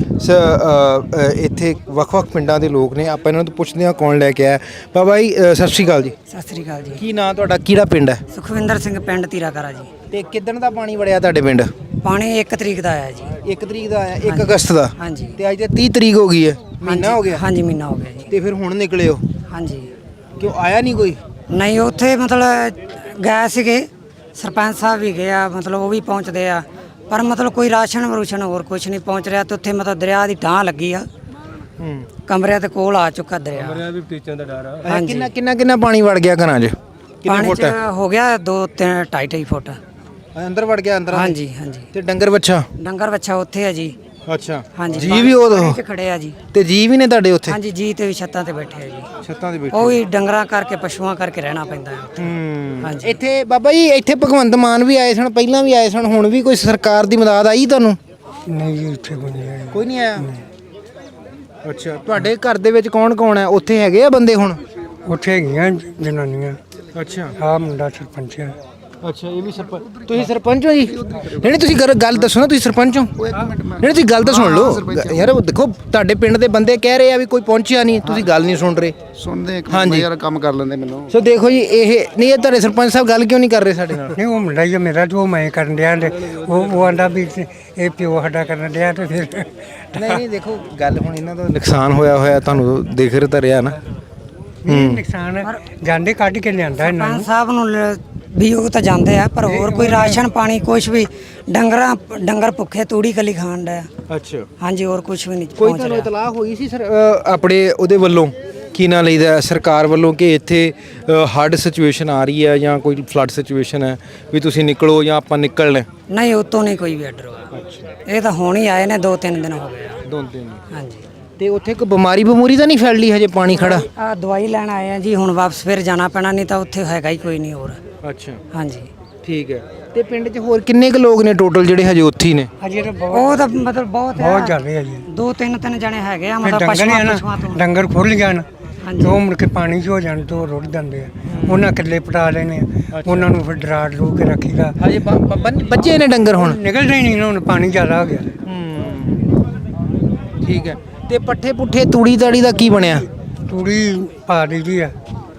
[SPEAKER 1] ਇੱਥੇ ਵੱਖ-ਵੱਖ ਪਿੰਡਾਂ ਦੇ ਲੋਕ ਨੇ। ਆਪਾਂ ਇਹਨਾਂ ਤੋਂ ਪੁੱਛਦੇ ਹਾਂ ਕੌਣ ਲੈ ਕੇ ਆਇਆ। ਬਾਬਾ ਜੀ ਸਤਿ ਸ਼੍ਰੀ ਅਕਾਲ ਜੀ।
[SPEAKER 2] ਸਤਿ ਸ੍ਰੀ ਅਕਾਲ ਜੀ।
[SPEAKER 1] ਕੀ ਨਾਂ ਤੁਹਾਡਾ, ਕਿਹੜਾ ਪਿੰਡ ਹੈ?
[SPEAKER 2] ਸੁਖਵਿੰਦਰ ਸਿੰਘ, ਪਿੰਡ ਤੀਰਾਕਰਾ ਜੀ।
[SPEAKER 1] ਤੇ ਕਿੱਦਣ ਦਾ ਪਾਣੀ ਵੜਿਆ ਤੁਹਾਡੇ ਪਿੰਡ?
[SPEAKER 2] ਪਾਣੀ 1 ਤਰੀਕ ਦਾ ਆਇਆ ਜੀ।
[SPEAKER 1] 1 ਤਰੀਕ ਦਾ ਆਇਆ, 1 ਅਗਸਤ ਦਾ।
[SPEAKER 2] ਹਾਂਜੀ।
[SPEAKER 1] ਤੇ ਅੱਜ ਤੇ 30 ਤਰੀਕ ਹੋ ਗਈ ਹੈ, ਮਹੀਨਾ ਹੋ ਗਿਆ।
[SPEAKER 2] ਹਾਂਜੀ ਮਹੀਨਾ ਹੋ ਗਿਆ ਜੀ।
[SPEAKER 1] ਤੇ ਫਿਰ ਹੁਣ ਨਿਕਲੇ ਹੋ?
[SPEAKER 2] ਹਾਂਜੀ।
[SPEAKER 1] ਕਿਉਂ ਆਇਆ ਨਹੀਂ ਕੋਈ?
[SPEAKER 2] ਨਹੀਂ ਉੱਥੇ ਮਤਲਬ ਗਏ ਸੀਗੇ, ਸਰਪੰਚ ਸਾਹਿਬ ਵੀ ਗਏ ਆ, ਮਤਲਬ ਉਹ ਵੀ ਪਹੁੰਚਦੇ ਆ, ਪਰ ਮਤਲਬ ਕੋਈ ਰਾਸ਼ਨ ਵਰੂਸ਼ਨ ਹੋਰ ਕੁਝ ਨਹੀਂ ਪਹੁੰਚ ਰਿਹਾ। ਤੇ ਉੱਥੇ ਮਤਲਬ ਦਰਿਆ ਦੀ ਢਾਹ ਲੱਗੀ ਆ, ਕਮਰਿਆਂ ਦੇ ਕੋਲ ਆ ਚੁੱਕਾ ਦਰਿਆ। ਕਮਰਿਆਂ ਵੀ ਟੀਚਾਂ ਦਾ ਡਰ ਆ।
[SPEAKER 1] ਕਿੰਨਾ ਪਾਣੀ ਵੜ ਗਿਆ ਘਰਾਂ 'ਚ?
[SPEAKER 2] ਪਾਣੀ ਚ ਹੋ ਗਿਆ 2-2.5 ਫੁੱਟ
[SPEAKER 1] ਅੰਦਰ ਵੜ ਗਿਆ ਅੰਦਰ?
[SPEAKER 2] ਹਾਂਜੀ ਹਾਂਜੀ।
[SPEAKER 1] ਤੇ ਡੰਗਰ ਵੱਛਾ?
[SPEAKER 2] ਡੰਗਰ ਵੱਛਾ ਉੱਥੇ ਆ ਜੀ।
[SPEAKER 1] ਅੱਛਾ।
[SPEAKER 2] ਹਾਂਜੀ।
[SPEAKER 1] ਜੀ ਵੀ ਉਹ
[SPEAKER 2] ਖੜੇ ਆ ਜੀ।
[SPEAKER 1] ਤੇ ਜੀ ਵੀ ਨੇ ਤੁਹਾਡੇ ਉੱਥੇ?
[SPEAKER 2] ਹਾਂਜੀ ਜੀ, ਤੇ ਵੀ ਛੱਤਾਂ ਤੇ ਬੈਠੇ ਆ ਜੀ।
[SPEAKER 1] ਛੱਤਾਂ ਤੇ ਬੈਠੇ?
[SPEAKER 2] ਉਹ ਵੀ ਡੰਗਰਾਂ ਕਰਕੇ, ਪਸ਼ੂਆਂ ਕਰਕੇ ਰਹਿਣਾ ਪੈਂਦਾ ਹੈ। ਹਾਂਜੀ।
[SPEAKER 1] ਇੱਥੇ ਬਾਬਾ ਜੀ ਇੱਥੇ ਭਗਵੰਤ ਮਾਨ ਵੀ ਆਏ ਸਨ, ਪਹਿਲਾਂ ਵੀ ਆਏ ਸਨ, ਹੁਣ ਵੀ ਕੋਈ ਸਰਕਾਰ ਦੀ ਮਦਦ ਆਈ ਤੁਹਾਨੂੰ?
[SPEAKER 3] ਨਹੀਂ ਜੀ, ਉੱਥੇ ਕੋਈ ਨਹੀਂ ਆਇਆ।
[SPEAKER 1] ਕੋਈ ਨਹੀਂ ਆਇਆ? ਅੱਛਾ। ਤੁਹਾਡੇ ਘਰ ਦੇ ਵਿੱਚ ਕੌਣ ਕੌਣ ਹੈ? ਉੱਥੇ ਹੈਗੇ ਆ ਬੰਦੇ ਹੁਣ?
[SPEAKER 3] ਉੱਥੇ ਹੈਗੀਆਂ ਜਨਾਨੀਆਂ।
[SPEAKER 1] ਅੱਛਾ।
[SPEAKER 3] ਆਹ ਮੁੰਡਾ ਸਰਪੰਚ ਹੈ।
[SPEAKER 1] ਅੱਛਾ। ਇਹ ਵੀ ਸਰਪੰਚ? ਤੁਸੀਂ ਸਰਪੰਚ ਹੋ ਜੀ? ਨਹੀਂ ਤੁਸੀਂ ਗੱਲ ਦੱਸੋ ਨਾ, ਤੁਸੀਂ ਸਰਪੰਚ ਹੋ? ਨਹੀਂ ਤੁਸੀਂ ਗੱਲ ਤਾਂ ਸੁਣ ਲਓ ਯਾਰ। ਦੇਖੋ ਤੁਹਾਡੇ ਪਿੰਡ ਦੇ ਬੰਦੇ ਕਹਿ ਰਹੇ ਆ ਵੀ ਕੋਈ ਪਹੁੰਚਿਆ ਨਹੀਂ, ਤੁਸੀਂ ਗੱਲ ਨਹੀਂ ਸੁਣ ਰਹੇ।
[SPEAKER 4] ਸੁਣਦੇ ਇੱਕ ਮਿੰਟ ਯਾਰ, ਕੰਮ ਕਰ ਲੈਂਦੇ ਮੈਨੂੰ।
[SPEAKER 1] ਸੋ ਦੇਖੋ ਜੀ, ਇਹ ਨਹੀਂ, ਇਹ ਤੁਹਾਡੇ ਸਰਪੰਚ ਸਾਹਿਬ ਗੱਲ ਕਿਉਂ ਨਹੀਂ ਕਰ ਰਹੇ ਸਾਡੇ ਨਾਲ?
[SPEAKER 3] ਨਹੀਂ ਉਹ ਮੁੰਡਾ ਹੀ ਮੇਰਾ, ਜੋ ਮੈਂ ਕਰਨ ਡਿਆ ਤੇ ਉਹ ਆਂਦਾ ਵੀ ਇਹ ਪਿਓ ਸਾਡਾ ਕਰਨ ਡਿਆ ਤੇ ਫਿਰ
[SPEAKER 1] ਨਹੀਂ ਦੇਖੋ ਗੱਲ ਹੁਣ ਇਹਨਾਂ ਦਾ ਨੁਕਸਾਨ ਹੋਇਆ ਤੁਹਾਨੂੰ ਦੇਖ ਰਿਹਾ ਤਾਂ ਰਿਹਾ ਨਾ।
[SPEAKER 3] ਨੁਕਸਾਨ ਜਾਂਦੇ ਕੱਢ ਕੇ ਲਿਆਂਦਾ ਇਹਨਾਂ ਨੂੰ।
[SPEAKER 2] ਸਰਪੰਚ ਸਾਹਿਬ ਨੂੰ ਵੀ ਉਹ ਤਾਂ ਜਾਂਦੇ ਆ, ਪਰ ਹੋਰ ਕੋਈ ਰਾਸ਼ਨ ਪਾਣੀ ਕੁਝ ਵੀ, ਡੰਗਰ ਭੁੱਖੇ ਤੂੜੀ ਕੱਲੀ ਖਾਣ ਦਾ।
[SPEAKER 1] ਅੱਛਾ।
[SPEAKER 2] ਹਾਂਜੀ, ਹੋਰ ਕੁਝ ਵੀ ਨਹੀਂ
[SPEAKER 1] ਕੋਈ ਤੁਹਾਨੂੰ ਇਤਲਾਹ ਹੋਈ ਸੀ ਸਰ ਆਪਣੇ ਉਹਦੇ ਵੱਲੋਂ, ਕੀ ਨਾਂ ਲਈਦਾ ਸਰਕਾਰ ਵੱਲੋਂ, ਕਿ ਇੱਥੇ ਹੜ੍ਹ ਸਿਚੁਏਸ਼ਨ ਆ ਰਹੀ ਹੈ ਜਾਂ ਕੋਈ ਫਲੱਡ ਸਿਚੁਏਸ਼ਨ ਹੈ ਵੀ ਤੁਸੀਂ ਨਿਕਲੋ ਜਾਂ ਆਪਾਂ ਨਿਕਲਣਾ?
[SPEAKER 2] ਨਹੀਂ, ਉਤੋਂ ਨਹੀਂ ਕੋਈ ਵੀ ਆਰਡਰ ਹੋਇਆ। ਇਹ ਤਾਂ ਹੁਣ ਹੀ ਆਏ ਨੇ, 2-3 ਦਿਨ ਹੋ ਗਏ ਆ।
[SPEAKER 1] 2 ਦਿਨ?
[SPEAKER 2] ਹਾਂਜੀ।
[SPEAKER 1] ਤੇ ਉੱਥੇ ਕੋਈ ਬਿਮਾਰੀ ਤਾਂ ਨਹੀਂ ਫੈਲ ਲਈ ਹਜੇ ਪਾਣੀ ਖੜਾ?
[SPEAKER 2] ਆ ਦਵਾਈ ਲੈਣ ਆਏ ਆ ਜੀ, ਹੁਣ ਵਾਪਸ ਫਿਰ ਜਾਣਾ ਪੈਣਾ, ਨਹੀਂ ਤਾਂ ਉੱਥੇ ਹੈਗਾ ਹੀ ਕੋਈ ਨਹੀਂ ਹੋਰ।
[SPEAKER 1] ਅੱਛਾ।
[SPEAKER 2] ਹਾਂਜੀ।
[SPEAKER 1] ਠੀਕ ਹੈ। ਤੇ ਪਿੰਡ 'ਚ ਹੋਰ ਕਿੰਨੇ ਕੁ ਲੋਕ ਨੇ ਟੋਟਲ ਜਿਹੜੇ ਹਜੇ ਉੱਥੇ ਹੀ ਨੇ?
[SPEAKER 3] ਅਜੇ ਤਾਂ
[SPEAKER 2] ਉਹ ਤਾਂ ਮਤਲਬ ਬਹੁਤ
[SPEAKER 3] ਜ਼ਿਆਦਾ ਆ ਜੀ।
[SPEAKER 2] 2-3 ਜਣੇ ਹੈਗੇ ਆ,
[SPEAKER 3] ਫਿਰ
[SPEAKER 2] ਮਤਲਬ
[SPEAKER 3] ਪਸ਼ੂਆਂ ਤੋਂ ਡੰਗਰ ਖੁੱਲ ਜਾਣ ਤੇ ਉਹ ਮੁੜ ਕੇ ਪਾਣੀ 'ਚ ਹੋ ਜਾਣ ਤੇ ਉਹ ਰੁੜ ਜਾਂਦੇ ਆ। ਉਹਨਾਂ ਕਿੱਲੇ ਪਟਾ ਲੈਣੇ ਆ, ਉਹਨਾਂ ਨੂੰ ਫਿਰ ਡਰਾ ਡਰੂ ਕੇ ਰੱਖੀਦਾ।
[SPEAKER 1] ਹਜੇ ਬੱਜੇ ਨੇ ਡੰਗਰ? ਹੁਣ
[SPEAKER 3] ਨਿਕਲਦੇ ਹੀ ਨਹੀਂ, ਹੁਣ ਪਾਣੀ ਜ਼ਿਆਦਾ ਹੋ ਗਿਆ।
[SPEAKER 1] ਠੀਕ ਹੈ। ਤੇ ਪੱਠੇ ਪੁੱਠੇ ਤੂੜੀ ਤਾੜੀ ਦਾ ਕੀ ਬਣਿਆ?
[SPEAKER 3] ਤੂੜੀ ਪਾ ਦਿੱਤੀ ਆ।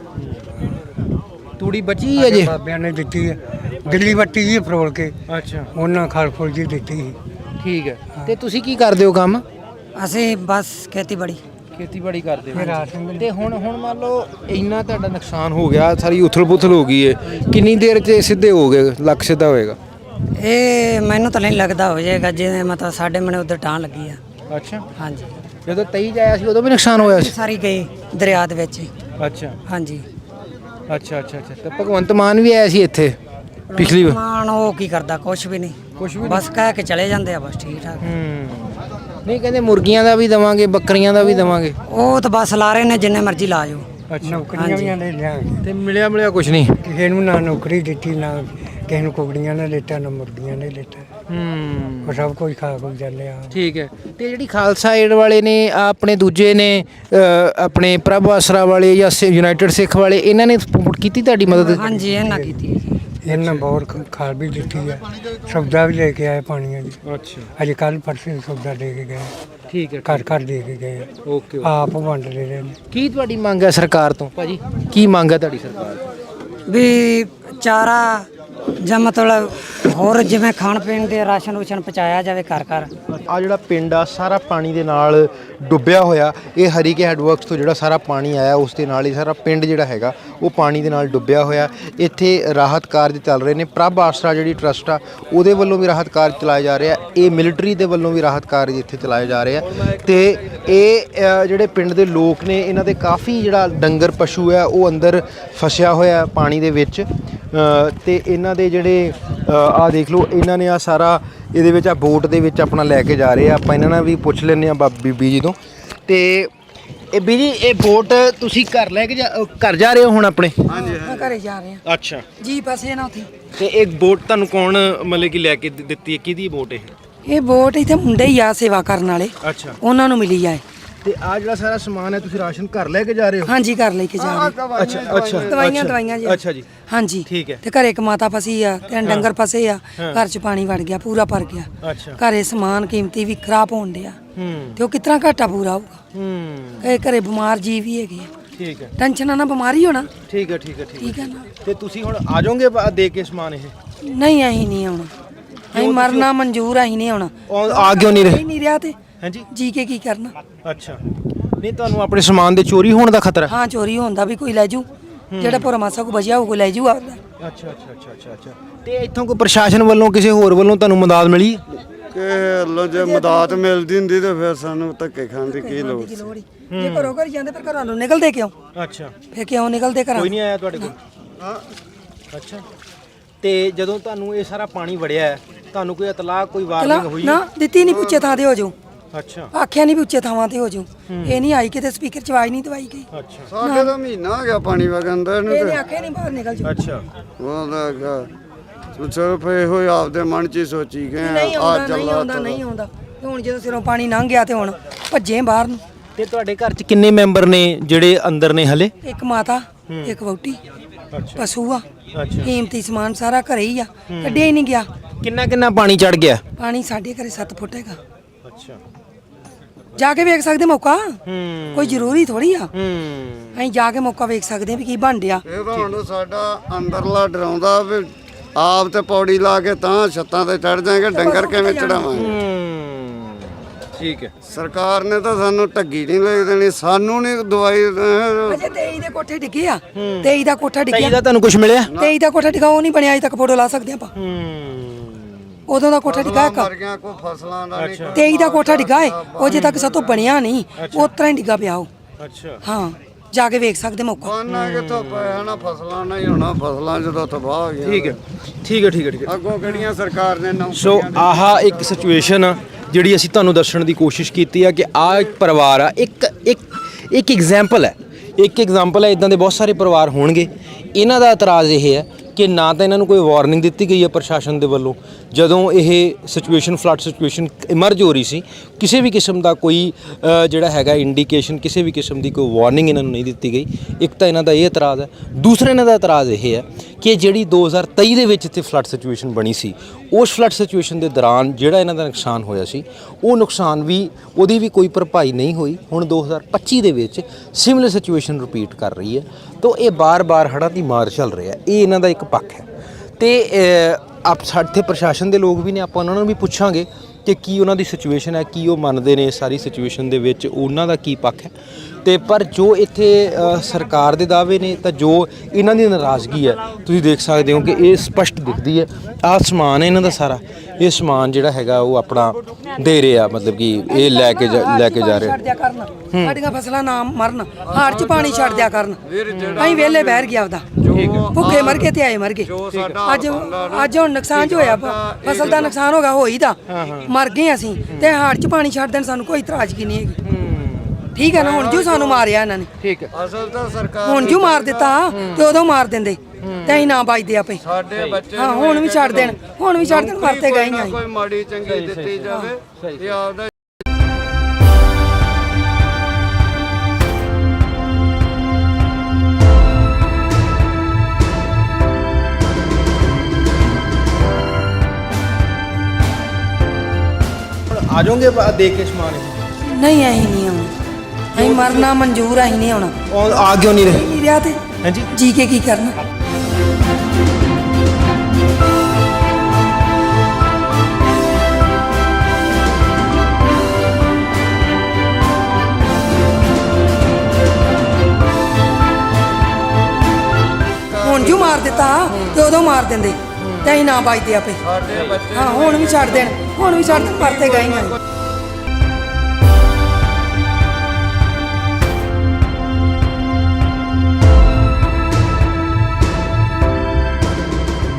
[SPEAKER 1] ਤੂੜੀ ਬਚੀ ਹੈ ਜੇ?
[SPEAKER 3] ਬਾਬਿਆਂ ਨੇ ਦਿੱਤੀ ਹੈ, ਦਿੱਲੀ ਵੱਟੀ ਜੀ ਫਰੋਲ ਕੇ।
[SPEAKER 1] ਅੱਛਾ।
[SPEAKER 3] ਉਹਨਾਂ ਖਲ ਫੁੱਲ ਜੀ ਦਿੱਤੀ ਸੀ।
[SPEAKER 1] ਠੀਕ ਹੈ। ਤੇ ਤੁਸੀਂ ਕੀ ਕਰਦੇ ਹੋ ਕੰਮ?
[SPEAKER 2] ਅਸੀਂ ਬਸ ਖੇਤੀਬਾੜੀ
[SPEAKER 1] ਕਰਦੇ ਹੋ? ਤੇ ਹੁਣ ਮੰਨ ਲਓ ਇੰਨਾ ਤੁਹਾਡਾ ਨੁਕਸਾਨ ਹੋ ਗਿਆ, ਸਾਰੀ ਉਥਲ ਪੁਥਲ ਹੋ ਗਈ ਹੈ, ਕਿੰਨੀ ਦੇਰ 'ਚ ਸਿੱਧੇ ਹੋ ਗਏ, ਲੱਖ ਸਿੱਧਾ ਹੋਏਗਾ?
[SPEAKER 2] ਇਹ ਮੈਨੂੰ ਤਾਂ ਨਹੀਂ ਲੱਗਦਾ ਹੋ ਜਾਏਗਾ, ਜਿਵੇਂ ਮਤਲਬ ਸਾਡੇ ਮਨੇ ਉਧਰ ਟਾਂ ਲੱਗੀ ਆ।
[SPEAKER 1] ਅੱਛਾ।
[SPEAKER 2] ਹਾਂਜੀ।
[SPEAKER 1] ਜਦੋਂ 23 ਜਾਇਆ ਸੀ ਉਦੋਂ ਵੀ ਨੁਕਸਾਨ ਹੋਇਆ ਸੀ?
[SPEAKER 2] ਸਾਰੀ ਗਈ ਦਰਿਆ ਦੇ ਵਿੱਚ।
[SPEAKER 1] ਅੱਛਾ।
[SPEAKER 2] ਹਾਂਜੀ।
[SPEAKER 1] ਅੱਛਾ। ਤੇ ਭਗਵੰਤ ਮਾਨ ਵੀ ਆਇਆ ਸੀ ਇੱਥੇ ਪਿਛਲੀ ਵਾਰ?
[SPEAKER 2] ਮਾਨ ਉਹ ਕੀ ਕਰਦਾ? ਕੁਝ ਵੀ ਨਹੀਂ, ਬਸ ਕਹਿ ਕੇ ਚਲੇ ਜਾਂਦੇ ਆ, ਬਸ ਠੀਕ ਠਾਕ।
[SPEAKER 1] ਨਹੀਂ ਕਹਿੰਦੇ ਮੁਰਗੀਆਂ ਦਾ ਵੀ ਦਵਾਂਗੇ, ਬੱਕਰੀਆਂ ਦਾ ਵੀ ਦਵਾਂਗੇ।
[SPEAKER 2] ਉਹ ਤਾਂ ਬਸ ਲਾ ਰਹੇ ਨੇ, ਜਿੰਨੇ ਮਰਜ਼ੀ ਲਾ ਜਾਓ।
[SPEAKER 3] ਨੌਕਰੀਆਂ ਵੀ ਆਂਦੇ ਲਿਆਂਗੇ
[SPEAKER 1] ਤੇ ਮਿਲਿਆ ਕੁਝ ਨਹੀਂ
[SPEAKER 3] ਕਿਸੇ ਨੂੰ, ਨਾ ਨੌਕਰੀ ਦਿੱਤੀ, ਨਾ ਕਿਸੇ ਨੂੰ ਕੁਕੜੀਆਂ ਨੇ ਦਿੱਤਾ, ਨਾ ਮੁਰਗੀਆਂ ਨੇ ਦਿੱਤਾ। ਉਹ ਸਭ ਕੁਝ ਖਾ ਖੁ ਜਾਂਦੇ ਆ।
[SPEAKER 1] ਠੀਕ ਹੈ। ਤੇ ਜਿਹੜੀ ਖਾਲਸਾ ਏਡ ਵਾਲੇ ਨੇ, ਆਪਣੇ ਦੂਜੇ ਨੇ ਆਪਣੇ ਪ੍ਰਭ ਆਸਰਾ ਵਾਲੇ ਜਾਂ ਯੂਨਾਈਟਿਡ ਸਿੱਖ ਵਾਲੇ, ਇਹਨਾਂ ਨੇ ਕੀਤੀ ਤੁਹਾਡੀ ਮਦਦ?
[SPEAKER 2] ਹਾਂਜੀ, ਇਹਨਾਂ ਕੀਤੀ ਹੈ ਜੀ।
[SPEAKER 3] ਇਹਨਾਂ ਬਹੁਤ ਖਾਲ ਵੀ ਦਿੱਤੀ ਹੈ, ਸੌਦਾ ਵੀ ਲੈ ਕੇ ਆਏ ਪਾਣੀਆਂ ਦੀ।
[SPEAKER 1] ਅੱਛਾ।
[SPEAKER 3] ਅੱਜ ਕੱਲ ਪਰਸੇ ਸੌਦਾ ਦੇ ਕੇ ਗਏ।
[SPEAKER 1] ਠੀਕ ਹੈ।
[SPEAKER 3] ਘਰ ਦੇ ਕੇ ਗਏ।
[SPEAKER 1] ਓਕੇ।
[SPEAKER 3] ਆਪ ਵੰਡ ਰਹੇ ਨੇ।
[SPEAKER 1] ਕੀ ਤੁਹਾਡੀ ਮੰਗ ਹੈ ਸਰਕਾਰ ਤੋਂ ਭਾਜੀ? ਕੀ ਮੰਗ ਹੈ ਤੁਹਾਡੀ ਸਰਕਾਰ ਤੋਂ?
[SPEAKER 2] ਵੀ ਚਾਰਾ ਜਾਂ ਮਤਲਬ ਹੋਰ ਜਿਵੇਂ ਖਾਣ ਪੀਣ ਦੇ ਰਾਸ਼ਨ ਰੂਸ਼ਨ ਪਹੁੰਚਾਇਆ ਜਾਵੇ ਘਰ ਘਰ।
[SPEAKER 1] ਆ ਜਿਹੜਾ ਪਿੰਡ ਆ ਸਾਰਾ ਪਾਣੀ ਦੇ ਨਾਲ ਡੁੱਬਿਆ ਹੋਇਆ। ਇਹ ਹਰੀਕੇ ਹੈਡਵਰਕਸ ਤੋਂ ਜਿਹੜਾ ਸਾਰਾ ਪਾਣੀ ਆਇਆ ਉਸ ਦੇ ਨਾਲ ਹੀ ਸਾਰਾ ਪਿੰਡ ਜਿਹੜਾ ਹੈਗਾ ਉਹ ਪਾਣੀ ਦੇ ਨਾਲ ਡੁੱਬਿਆ ਹੋਇਆ। ਇੱਥੇ ਰਾਹਤ ਕਾਰਜ ਚੱਲ ਰਹੇ ਨੇ। ਪ੍ਰਭ ਆਸਰਾ ਜਿਹੜੀ ਟਰਸਟ ਆ ਉਹਦੇ ਵੱਲੋਂ ਵੀ ਰਾਹਤ ਕਾਰਜ ਚਲਾਏ ਜਾ ਰਹੇ ਆ। ਇਹ ਮਿਲਟਰੀ ਦੇ ਵੱਲੋਂ ਵੀ ਰਾਹਤ ਕਾਰਜ ਇੱਥੇ ਚਲਾਏ ਜਾ ਰਹੇ ਆ। ਤੇ ਇਹ ਜਿਹੜੇ ਪਿੰਡ ਦੇ ਲੋਕ ਨੇ ਇਹਨਾਂ ਦੇ ਕਾਫੀ ਜਿਹੜਾ ਡੰਗਰ ਪਸ਼ੂ ਹੈ ਉਹ ਅੰਦਰ ਫਸਿਆ ਹੋਇਆ ਪਾਣੀ ਦੇ ਵਿੱਚ। ਤੇ ਇਹਨਾਂ ਦੇ ਜਿਹੜੇ ਆ ਦੇਖ ਲਓ, ਇਹਨਾਂ ਨੇ ਆ ਸਾਰਾ ਇਹਦੇ ਵਿੱਚ ਆ ਬੋਟ ਦੇ ਵਿੱਚ ਆਪਣਾ ਲੈ ਕੇ ਜਾ ਰਹੇ ਆ। ਆਪਾਂ ਇਹਨਾਂ ਨਾਲ ਵੀ ਪੁੱਛ ਲੈਂਦੇ ਆ ਬੀਬੀ ਜੀ ਤੋਂ। ਤੇ ਇਹ ਵੀਰੀ ਇਹ ਵੋਟ ਤੁਸੀਂ ਘਰ ਲੈ ਕੇ ਘਰ ਜਾ ਰਹੇ ਹੋ ਹੁਣ ਆਪਣੇ?
[SPEAKER 6] ਮੈਂ ਘਰੇ ਜਾ ਰਹੇ ਆ
[SPEAKER 1] ਅੱਛਾ
[SPEAKER 6] ਜੀ ਪਾਸੇ ਨਾ ਉੱਥੇ
[SPEAKER 1] ਤੇ ਇਹ ਵੋਟ ਤੁਹਾਨੂੰ ਕੌਣ ਮਤਲਬ ਕਿ ਲੈ ਕੇ ਦਿੱਤੀ ਹੈ? ਕਿਹਦੀ ਵੋਟ ਇਹ?
[SPEAKER 6] ਵੋਟ ਇੱਥੇ ਮੁੰਡੇ ਹੀ ਆ ਸੇਵਾ ਕਰਨ ਵਾਲੇ
[SPEAKER 1] ਅੱਛਾ
[SPEAKER 6] ਉਹਨਾਂ ਨੂੰ ਮਿਲੀ ਆ
[SPEAKER 1] ਤੇ ਆ ਜਿਹੜਾ ਸਾਰਾ ਸਮਾਨ ਹੈ ਤੁਸੀਂ ਰਾਸ਼ਨ ਘਰ ਲੈ ਕੇ ਜਾ ਰਹੇ ਹੋ?
[SPEAKER 6] ਹਾਂਜੀ ਘਰ ਲੈ ਕੇ ਜਾ ਰਹੇ
[SPEAKER 1] ਅੱਛਾ ਅੱਛਾ
[SPEAKER 6] ਦਵਾਈਆਂ ਜੀ
[SPEAKER 1] ਅੱਛਾ ਜੀ
[SPEAKER 6] ਹਾਂਜੀ
[SPEAKER 1] ਠੀਕ ਹੈ।
[SPEAKER 6] ਤੇ ਘਰੇ ਇੱਕ ਮਾਤਾ ਫਸੀ ਆ ਤੇ ਡੰਗਰ ਫਸੇ ਆ ਘਰ 'ਚ ਪਾਣੀ ਵੜ ਗਿਆ ਪੂਰਾ ਭਰ ਗਿਆ
[SPEAKER 1] ਅੱਛਾ
[SPEAKER 6] ਘਰੇ ਸਮਾਨ ਕੀਮਤੀ ਵੀ ਖਰਾਬ ਹੋਣ ਡਿਆ ਤੇ ਉਹ ਕਿਤਨਾ ਘਾਟਾ ਪੂਰਾ ਹੋਊਗਾ ਕਈ ਘਰੇ ਬਿਮਾਰ ਜੀ ਵੀ ਹੈਗੇ ਆ
[SPEAKER 1] ਠੀਕ ਹੈ
[SPEAKER 6] ਟੈਨਸ਼ਨ ਨਾ ਬਿਮਾਰੀ ਹੋਣਾ
[SPEAKER 1] ਠੀਕ ਹੈ ਠੀਕ ਹੈ ਠੀਕ
[SPEAKER 6] ਠੀਕ ਹੈ ਨਾ
[SPEAKER 1] ਤੇ ਤੁਸੀਂ ਹੁਣ ਆ ਜਾਓਗੇ ਦੇ ਕੇ ਸਮਾਨ ਇਹ?
[SPEAKER 6] ਨਹੀਂ ਅਸੀਂ ਨਹੀਂ ਆਉਣਾ ਅਸੀਂ ਮਰਨਾ ਮਨਜ਼ੂਰ ਅਸੀਂ ਨਹੀਂ ਆਉਣਾ
[SPEAKER 1] ਆ ਕਿਉਂ ਨਹੀਂ ਰਹੇ?
[SPEAKER 6] ਨਹੀਂ ਰਿਹਾ ਤੇ
[SPEAKER 1] ਹਾਂਜੀ
[SPEAKER 6] ਜੀ ਕੇ ਕੀ ਕਰਨਾ
[SPEAKER 1] ਅੱਛਾ ਨਹੀਂ ਤੁਹਾਨੂੰ ਆਪਣੇ ਸਮਾਨ ਦੇ ਚੋਰੀ ਹੋਣ ਦਾ ਖਤਰਾ?
[SPEAKER 6] ਹਾਂ ਚੋਰੀ ਹੁੰਦਾ ਵੀ ਕੋਈ ਲੈ ਜੂ ਜਿਹੜਾ ਭੋਰਾ ਮਾਸਾ ਕੋ ਬਚਿਆ ਉਹ ਲੈ ਜੂ ਆਪਦਾ
[SPEAKER 1] ਅੱਛਾ ਅੱਛਾ ਅੱਛਾ ਅੱਛਾ ਅੱਛਾ ਤੇ ਇੱਥੋਂ ਕੋਈ ਪ੍ਰਸ਼ਾਸਨ ਵੱਲੋਂ ਕਿਸੇ ਹੋਰ ਵੱਲੋਂ ਤੁਹਾਨੂੰ ਮਦਦ ਮਿਲੀ?
[SPEAKER 5] ਕਿ ਲੋ ਜੇ ਮਦਦ ਮਿਲਦੀ ਹੁੰਦੀ ਤੇ ਫਿਰ ਸਾਨੂੰ ਧੱਕੇ ਖਾਣ ਦੀ ਕੀ ਲੋੜ ਸੀ?
[SPEAKER 6] ਜੇ ਘਰੋਂ ਘਰ ਜਾਂਦੇ ਪਰ ਘਰਾਂ ਨੂੰ ਨਿਕਲਦੇ ਕਿਉਂ?
[SPEAKER 1] ਅੱਛਾ
[SPEAKER 6] ਫੇ ਕਿਉਂ ਨਿਕਲਦੇ ਘਰਾਂ
[SPEAKER 1] ਕੋਈ ਨਹੀਂ ਆਇਆ ਤੁਹਾਡੇ ਕੋਲ? ਅੱਛਾ ਤੇ ਜਦੋਂ ਤੁਹਾਨੂੰ ਇਹ ਸਾਰਾ ਪਾਣੀ ਵੜਿਆ ਹੈ, ਤੁਹਾਨੂੰ ਕੋਈ ਇਤਲਾਹ ਕੋਈ ਵਾਰਨਿੰਗ ਹੋਈ?
[SPEAKER 6] ਨਾ ਦਿੱਤੀ ਨਹੀਂ ਪੁੱਛੇ ਥਾਂ ਤੇ ਹੋ ਜਾਊ
[SPEAKER 1] ਅੱਛਾ
[SPEAKER 6] ਆਖਿਆ ਨਹੀਂ ਪੁੱਛੇ ਥਾਵਾਂ ਤੇ ਹੋ ਜਾਊ ਇਹ ਨਹੀਂ ਆਈ ਕਿਤੇ ਸਪੀਕਰ ਚ ਆਵਾਜ਼ ਨਹੀਂ ਦਵਾਈ ਗਈ
[SPEAKER 1] ਅੱਛਾ
[SPEAKER 5] ਸਾਡੇ ਤਾਂ ਮਹੀਨਾ ਹੋ ਗਿਆ ਪਾਣੀ ਵਗਣ ਦਾ ਇਹਨੂੰ
[SPEAKER 6] ਇਹਨੇ
[SPEAKER 5] ਤੇ
[SPEAKER 6] ਆਖਿਆ ਨਹੀਂ ਬਾਹਰ ਨਿਕਲ ਜਾਊ
[SPEAKER 1] ਅੱਛਾ
[SPEAKER 5] ਉਹਦਾ ਸਿਰਫ ਇਹੋ ਹੀ ਆਪਦੇ ਮਨ 'ਚ ਹੀ ਸੋਚੀ ਗਏ
[SPEAKER 6] ਨਹੀਂ
[SPEAKER 5] ਆ
[SPEAKER 6] ਆਉਂਦਾ ਨਹੀਂ ਆਉਂਦਾ ਨਹੀਂ ਆਉਂਦਾ ਤੇ ਹੁਣ ਜਦੋਂ ਸਿਰੋਂ ਪਾਣੀ ਲੰਘ ਗਿਆ ਤੇ ਹੁਣ ਭੱਜੇ ਬਾਹਰ ਨੂੰ
[SPEAKER 1] ਤੇ ਤੁਹਾਡੇ ਘਰ 'ਚ ਕਿੰਨੇ ਮੈਂਬਰ ਨੇ ਜਿਹੜੇ ਅੰਦਰ ਨੇ ਹਲੇ?
[SPEAKER 6] ਇੱਕ ਮਾਤਾ ਇੱਕ ਵਹੁਟੀ
[SPEAKER 1] ਅੱਛਾ
[SPEAKER 6] ਪਸ਼ੂ ਆ
[SPEAKER 1] ਅੱਛਾ
[SPEAKER 6] ਕੀਮਤੀ ਸਮਾਨ ਸਾਰਾ ਘਰੇ ਹੀ ਆ ਕੱਢਿਆ ਹੀ ਨਹੀਂ ਗਿਆ
[SPEAKER 1] ਕਿੰਨਾ ਪਾਣੀ ਚੜ ਗਿਆ?
[SPEAKER 6] ਪਾਣੀ ਸਾਡੇ ਘਰੇ 7 ਫੁੱਟ ਹੈਗਾ
[SPEAKER 1] ਅੱਛਾ
[SPEAKER 6] ਜਾ ਕੇ ਵੇਖ ਸਕਦੇ ਮੌਕਾ
[SPEAKER 1] ਹੂੰ
[SPEAKER 6] ਕੋਈ ਜ਼ਰੂਰੀ ਥੋੜੀ ਆ
[SPEAKER 1] ਹੂੰ
[SPEAKER 6] ਅਸੀਂ ਜਾ ਕੇ ਮੌਕਾ ਵੇਖ ਸਕਦੇ ਆ ਵੀ ਕੀ ਬਣ ਡਿਆ
[SPEAKER 5] ਇਹ ਤਾਂ ਹੁਣ ਸਾਡਾ ਅੰਦਰਲਾ ਡਰਾਉਂਦਾ ਵੀ ਆਪ ਤੇ ਪੌੜੀ ਲਾ ਕੇ ਤਾਂ ਛੱਤਾਂ ਤੇ ਚੜ ਜਾਏਗਾ ਡੰਗਰ ਕਿਵੇਂ ਚੜਾਵਾਂਗੇ?
[SPEAKER 1] ਠੀਕ ਹੈ
[SPEAKER 5] ਸਰਕਾਰ ਨੇ ਤਾਂ ਸਾਨੂੰ ਢੱਗੀ ਨਹੀਂ ਲੈ ਦੇਣੀ ਸਾਨੂੰ ਨਹੀਂ ਦਵਾਈ
[SPEAKER 6] ਅਜੇ 23 ਦੇ ਕੋਠੇ ਡਿੱਗੇ ਆ 23 ਦਾ ਕੋਠਾ
[SPEAKER 1] ਤਾਂ
[SPEAKER 6] ਡਿੱਗਿਆ
[SPEAKER 1] ਇਹਦਾ ਤੁਹਾਨੂੰ ਕੁਝ ਮਿਲਿਆ?
[SPEAKER 6] 23 ਦਾ ਕੋਠਾ ਡਿੱਗਾ ਉਹ ਨਹੀਂ ਬਣਿਆ ਅਜੇ ਤੱਕ ਫੋਟੋ ਲਾ ਸਕਦੇ ਆਪਾਂ ਉਦੋਂ ਦਾ ਕੋਠਾ ਡਿੱਗਾ ਇੱਕ
[SPEAKER 5] ਮਰ ਗਿਆ ਕੋਈ ਫਸਲਾਂ ਦਾ ਨਹੀਂ
[SPEAKER 6] 23 ਦਾ ਕੋਠਾ ਡਿੱਗਾ ਏ ਉਹ ਅਜੇ ਤੱਕ ਸਾਤੋਂ ਬਣਿਆ ਨਹੀਂ ਉਹ ਤਰ੍ਹਾਂ ਹੀ ਡਿੱਗਾ ਪਿਆ ਉਹ
[SPEAKER 1] ਅੱਛਾ
[SPEAKER 6] ਹਾਂ ਜਾ ਕੇ ਵੇਖ ਸਕਦੇ ਮੌਕਾ
[SPEAKER 5] ਉਹਨਾਂ ਕਿੱਥੋਂ ਪਿਆ ਨਾ ਫਸਲਾਂ ਨਹੀਂ ਹੋਣਾ ਫਸਲਾਂ ਜਦੋਂ ਤਬਾਹ ਹੋ ਗਈਆਂ
[SPEAKER 1] ਠੀਕ ਹੈ ਠੀਕ ਹੈ ਠੀਕ ਹੈ ਠੀਕ ਹੈ
[SPEAKER 5] ਅੱਗੋਂ ਕਿਹੜੀਆਂ ਸਰਕਾਰ ਨੇ
[SPEAKER 1] ਸੋ ਆਹ ਇੱਕ ਸਿਚੁਏਸ਼ਨ ਆ ਜਿਹੜੀ ਅਸੀਂ ਤੁਹਾਨੂੰ ਦੱਸਣ ਦੀ ਕੋਸ਼ਿਸ਼ ਕੀਤੀ ਆ ਕਿ ਆਹ ਇੱਕ ਪਰਿਵਾਰ ਆ ਇੱਕ ਐਗਜ਼ਾਮਪਲ ਹੈ ਇਦਾਂ ਦੇ ਬਹੁਤ ਸਾਰੇ ਪਰਿਵਾਰ ਹੋਣਗੇ। ਇਹਨਾਂ ਦਾ ਇਤਰਾਜ਼ ਇਹ ਹੈ ਕਿ ਨਾ ਤਾਂ ਇਹਨਾਂ ਨੂੰ ਕੋਈ ਵਾਰਨਿੰਗ ਦਿੱਤੀ ਗਈ ਹੈ ਪ੍ਰਸ਼ਾਸਨ ਦੇ ਵੱਲੋਂ ਜਦੋਂ ਇਹ ਸਿਚੁਏਸ਼ਨ ਫਲੱਡ ਸਿਚੁਏਸ਼ਨ ਇਮਰਜ ਹੋ ਰਹੀ ਸੀ ਕਿਸੇ ਵੀ ਕਿਸਮ ਦਾ ਕੋਈ ਜਿਹੜਾ ਹੈਗਾ ਇੰਡੀਕੇਸ਼ਨ ਕਿਸੇ ਵੀ ਕਿਸਮ ਦੀ ਕੋਈ ਵਾਰਨਿੰਗ ਇਹਨਾਂ ਨੂੰ ਨਹੀਂ ਦਿੱਤੀ ਗਈ। ਇੱਕ ਤਾਂ ਇਹਨਾਂ ਦਾ ਇਹ ਇਤਰਾਜ਼ ਹੈ। ਦੂਸਰਾ ਇਹਨਾਂ ਦਾ ਇਤਰਾਜ਼ ਇਹ ਹੈ ਕਿ ਜਿਹੜੀ 2023 ਦੇ ਵਿੱਚ ਇੱਥੇ ਫਲੱਡ ਸਿਚੁਏਸ਼ਨ ਬਣੀ ਸੀ ਉਸ ਫਲੱਡ ਸਿਚੁਏਸ਼ਨ ਦੇ ਦੌਰਾਨ ਜਿਹੜਾ ਇਹਨਾਂ ਦਾ ਨੁਕਸਾਨ ਹੋਇਆ ਸੀ ਉਹ ਨੁਕਸਾਨ ਵੀ ਉਹਦੀ ਵੀ ਕੋਈ ਭਰਪਾਈ ਨਹੀਂ ਹੋਈ। ਹੁਣ 2025 ਦੇ ਵਿੱਚ ਸਿਮਿਲਰ ਸਿਚੁਏਸ਼ਨ ਰਿਪੀਟ ਕਰ ਰਹੀ ਹੈ ਤਾਂ ਇਹ ਬਾਰ-ਬਾਰ ਹੜ੍ਹਾਂ ਦੀ ਮਾਰ ਚੱਲ ਰਿਹਾ। ਇਹ ਇਹਨਾਂ ਦਾ ਇੱਕ ਪੱਖ ਹੈ ਤੇ ਆਪ ਸਾਡੇ ਪ੍ਰਸ਼ਾਸਨ ਦੇ ਲੋਕ ਵੀ ਨੇ ਆਪਾਂ ਉਹਨਾਂ ਨੂੰ ਵੀ ਪੁੱਛਾਂਗੇ ਕਿ ਕੀ ਉਹਨਾਂ ਦੀ ਸਿਚੁਏਸ਼ਨ ਹੈ ਕੀ ਉਹ ਮੰਨਦੇ ਨੇ ਸਾਰੀ ਸਿਚੁਏਸ਼ਨ ਦੇ ਵਿੱਚ ਉਹਨਾਂ ਦਾ ਕੀ ਪੱਖ ਹੈ ਤੇ ਪਰ ਜੋ ਇੱਥੇ ਸਰਕਾਰ ਦੇ ਦਾਅਵੇ ਨੇ ਤਾਂ ਜੋ ਇਹਨਾਂ ਦੀ ਨਾਰਾਜ਼ਗੀ ਹੈ ਤੁਸੀਂ ਦੇਖ ਸਕਦੇ ਹੋ ਕਿ ਇਹ ਸਪਸ਼ਟ ਦਿਖਦੀ ਹੈ। ਆਹ ਸਮਾਨ ਹੈ ਇਹਨਾਂ ਦਾ ਸਾਰਾ ਇਹ ਸਮਾਨ ਜਿਹੜਾ ਹੈਗਾ ਉਹ ਆਪਣਾ ਦੇ ਰਹੇ ਆ ਮਤਲਬ ਕਿ ਇਹ ਲੈ ਕੇ ਜਾ ਰਹੇ
[SPEAKER 6] ਛੱਡ ਦਿਆ ਕਰਨ ਸਾਡੀਆਂ ਫਸਲਾਂ ਨਾ ਮਰਨ ਹਾੜ ਚ ਪਾਣੀ ਛੱਡ ਦਿਆ ਕਰਨ ਅਸੀਂ ਵੇਲੇ ਬਹਿਰ ਗਿਆ ਉਹਦਾ ਭੁੱਖੇ ਮਰ ਗਏ ਤੇ ਆਏ ਮਰ ਗਏ ਅੱਜ ਹੁਣ ਨੁਕਸਾਨ ਜੋ ਹੋਇਆ ਫਸਲ ਦਾ ਨੁਕਸਾਨ ਹੋ ਗਿਆ ਹੋਈ ਦਾ ਮਰ ਗਏ ਅਸੀਂ ਤੇ ਹਾੜ ਚ ਪਾਣੀ ਛੱਡ ਦੇਣ ਸਾਨੂੰ ਕੋਈ ਇਤਰਾਜ਼ਗੀ ਨਹੀਂ ਹੈਗੀ। ਠੀਕ ਹੈ ਨਾ ਹੁਣ ਜੋ ਸਾਨੂੰ ਮਾਰਿਆ ਇਹਨਾਂ ਨੇ
[SPEAKER 1] ਠੀਕ ਹੈ
[SPEAKER 5] ਅਸਲ ਤਾਂ ਸਰਕਾਰ
[SPEAKER 6] ਹੁਣ ਜੋ ਮਾਰ ਦਿੱਤਾ ਤੇ ਉਦੋਂ ਮਾਰ ਦਿੰਦੇ ਤੇ ਅਸੀਂ ਨਾ ਬਚਦੇ ਆਪੇ
[SPEAKER 5] ਸਾਡੇ ਬੱਚੇ
[SPEAKER 6] ਹਾਂ ਹੁਣ ਵੀ ਛੱਡ ਦੇਣ ਮਰਤੇ ਗਏ ਹੀ
[SPEAKER 5] ਕੋਈ ਮਾੜੀ ਚੰਗੀ ਦਿੱਤੀ ਜਾਵੇ ਤੇ ਆਪਦਾ
[SPEAKER 1] ਆ ਜਾਓਗੇ ਦੇ ਕੇ ਸਮਾਨ ਇਹ?
[SPEAKER 6] ਨਹੀਂ ਅਸੀਂ ਨਹੀਂ ਆਉਣਾ ਅਸੀਂ ਮਰਨਾ ਮਨਜ਼ੂਰ ਅਸੀਂ ਨਹੀਂ ਆਉਣਾ
[SPEAKER 1] ਆ ਕਿਉਂ ਨਹੀਂ ਰਹੇ?
[SPEAKER 6] ਨਹੀਂ ਰਿਹਾ ਤੇ
[SPEAKER 1] ਹਾਂਜੀ
[SPEAKER 6] ਜੀ ਕੇ ਕੀ ਕਰਨਾ ਹੁਣ ਜੋ ਮਾਰ ਦਿੱਤਾ ਤੇ ਉਦੋਂ ਮਾਰ ਦਿੰਦੇ ਤੇ ਅਸੀਂ ਨਾ ਬਚਦੇ ਆਪੇ
[SPEAKER 5] ਸਾਡੇ ਬੱਚੇ
[SPEAKER 6] ਹਾਂ ਹੁਣ ਵੀ ਛੱਡ ਦੇਣ ਮਰਤੇ ਗਏ ਹੀ ਅਸੀਂ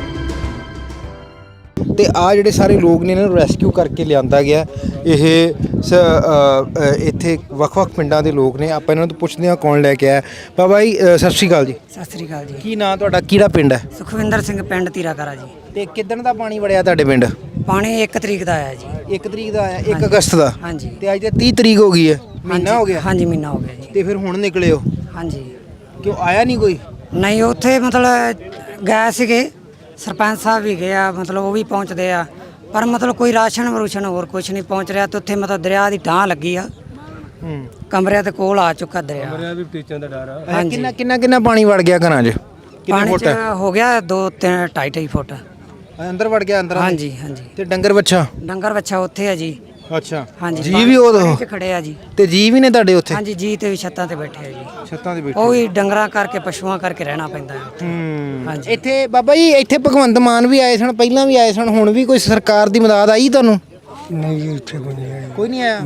[SPEAKER 1] ਤੇ ਆ ਜਿਹੜੇ ਸਾਰੇ ਲੋਕ ਨੇ ਇਹਨਾਂ ਨੂੰ ਰੈਸਕਿਊ ਕਰਕੇ ਲਿਆਂਦਾ ਗਿਆ। ਇਹ ਇੱਥੇ ਵੱਖ-ਵੱਖ ਪਿੰਡਾਂ ਦੇ ਲੋਕ ਨੇ, ਆਪਾਂ ਇਹਨਾਂ ਤੋਂ ਪੁੱਛਦੇ ਹਾਂ ਕੌਣ ਲੈ ਕੇ ਆਇਆ। ਬਾਬਾ ਜੀ ਸਤਿ ਸ਼੍ਰੀ ਅਕਾਲ ਜੀ।
[SPEAKER 2] ਸਤਿ ਸ੍ਰੀ ਅਕਾਲ ਜੀ।
[SPEAKER 1] ਕੀ ਨਾਂ ਤੁਹਾਡਾ, ਕਿਹੜਾ ਪਿੰਡ ਹੈ
[SPEAKER 2] ਸੁਖਵਿੰਦਰ ਸਿੰਘ, ਪਿੰਡ ਤੀਰਾਕਰਾ ਜੀ।
[SPEAKER 1] ਤੇ ਕਿੱਦਣ ਦਾ ਪਾਣੀ ਵੜਿਆ ਤੁਹਾਡੇ ਪਿੰਡ?
[SPEAKER 2] ਪਾਣੀ 1 ਤਰੀਕ ਦਾ ਆਇਆ ਜੀ।
[SPEAKER 1] 1 ਤਰੀਕ ਦਾ ਆਇਆ, 1 ਅਗਸਤ ਦਾ।
[SPEAKER 2] ਹਾਂਜੀ।
[SPEAKER 1] ਤੇ ਅੱਜ ਤੇ 30 ਤਰੀਕ ਹੋ ਗਈ ਹੈ, ਮਹੀਨਾ ਹੋ ਗਿਆ।
[SPEAKER 2] ਹਾਂਜੀ, ਮਹੀਨਾ ਹੋ ਗਿਆ ਜੀ।
[SPEAKER 1] ਤੇ ਫਿਰ ਹੁਣ ਨਿਕਲੇ ਹੋ?
[SPEAKER 2] ਹਾਂਜੀ।
[SPEAKER 1] ਕਿਉਂ ਆਇਆ ਨਹੀਂ ਕੋਈ?
[SPEAKER 2] ਨਹੀਂ, ਉੱਥੇ ਮਤਲਬ ਗਏ ਸੀਗੇ, ਸਰਪੰਚ ਸਾਹਿਬ ਵੀ ਗਏ ਆ, ਮਤਲਬ ਉਹ ਵੀ ਪਹੁੰਚਦੇ ਆ, ਪਰ ਮਤਲਬ ਕੋਈ ਰਾਸ਼ਨ ਵਰੂਸ਼ਨ ਹੋਰ ਕੁਝ ਨਹੀਂ ਪਹੁੰਚ ਰਿਹਾ। ਤੇ ਉੱਥੇ ਮਤਲਬ ਦਰਿਆ ਦੀ ਢਾਹ ਲੱਗੀ ਆ, ਕਮਰਿਆਂ ਦੇ ਕੋਲ ਆ ਚੁੱਕਾ ਦਰਿਆ। ਕਮਰਿਆਂ ਵੀ ਟੀਚਾਂ ਦਾ ਡਰ ਆ।
[SPEAKER 1] ਕਿੰਨਾ ਪਾਣੀ ਵੜ ਗਿਆ ਘਰਾਂ 'ਚ? ਕਿੰਨੇ
[SPEAKER 2] ਪਾਣੀ
[SPEAKER 1] ਫੁੱਟ
[SPEAKER 2] ਚ ਹੋ ਗਿਆ 2-2.5 ਫੁੱਟ।
[SPEAKER 1] ਅੰਦਰ ਵੜ ਗਿਆ ਅੰਦਰ?
[SPEAKER 2] ਹਾਂਜੀ ਹਾਂਜੀ।
[SPEAKER 1] ਤੇ ਡੰਗਰ ਬੱਚਾ?
[SPEAKER 2] ਡੰਗਰ ਬੱਚਾ ਉੱਥੇ ਆ ਜੀ।
[SPEAKER 1] ਅੱਛਾ।
[SPEAKER 2] ਹਾਂਜੀ।
[SPEAKER 1] ਜੀ ਵੀ ਉਹ
[SPEAKER 2] ਪਾਣੀ 'ਚ ਖੜੇ ਆ ਜੀ।
[SPEAKER 1] ਤੇ ਜੀ ਵੀ ਨੇ ਤੁਹਾਡੇ ਉੱਥੇ?
[SPEAKER 2] ਹਾਂਜੀ, ਜੀ ਤੇ ਵੀ ਛੱਤਾਂ ਤੇ ਬੈਠੇ ਆ ਜੀ।
[SPEAKER 1] ਛੱਤਾਂ ਤੇ ਬੈਠੇ?
[SPEAKER 2] ਉਹ ਵੀ ਡੰਗਰਾਂ ਕਰਕੇ, ਪਸ਼ੂਆਂ ਕਰਕੇ ਰਹਿਣਾ ਪੈਂਦਾ ਹੈ। ਹਾਂਜੀ।
[SPEAKER 1] ਇੱਥੇ ਬਾਬਾ ਜੀ, ਇੱਥੇ ਭਗਵੰਤ ਮਾਨ ਵੀ ਆਏ ਸਨ, ਪਹਿਲਾਂ ਵੀ ਆਏ ਸਨ, ਹੁਣ ਵੀ ਕੋਈ ਸਰਕਾਰ ਦੀ ਮਦਦ ਆਈ ਤੁਹਾਨੂੰ?
[SPEAKER 3] ਨਹੀਂ ਜੀ, ਇੱਥੇ ਕੋਈ ਨਹੀਂ ਆਇਆ।
[SPEAKER 1] ਕੋਈ ਨਹੀਂ ਆਇਆ?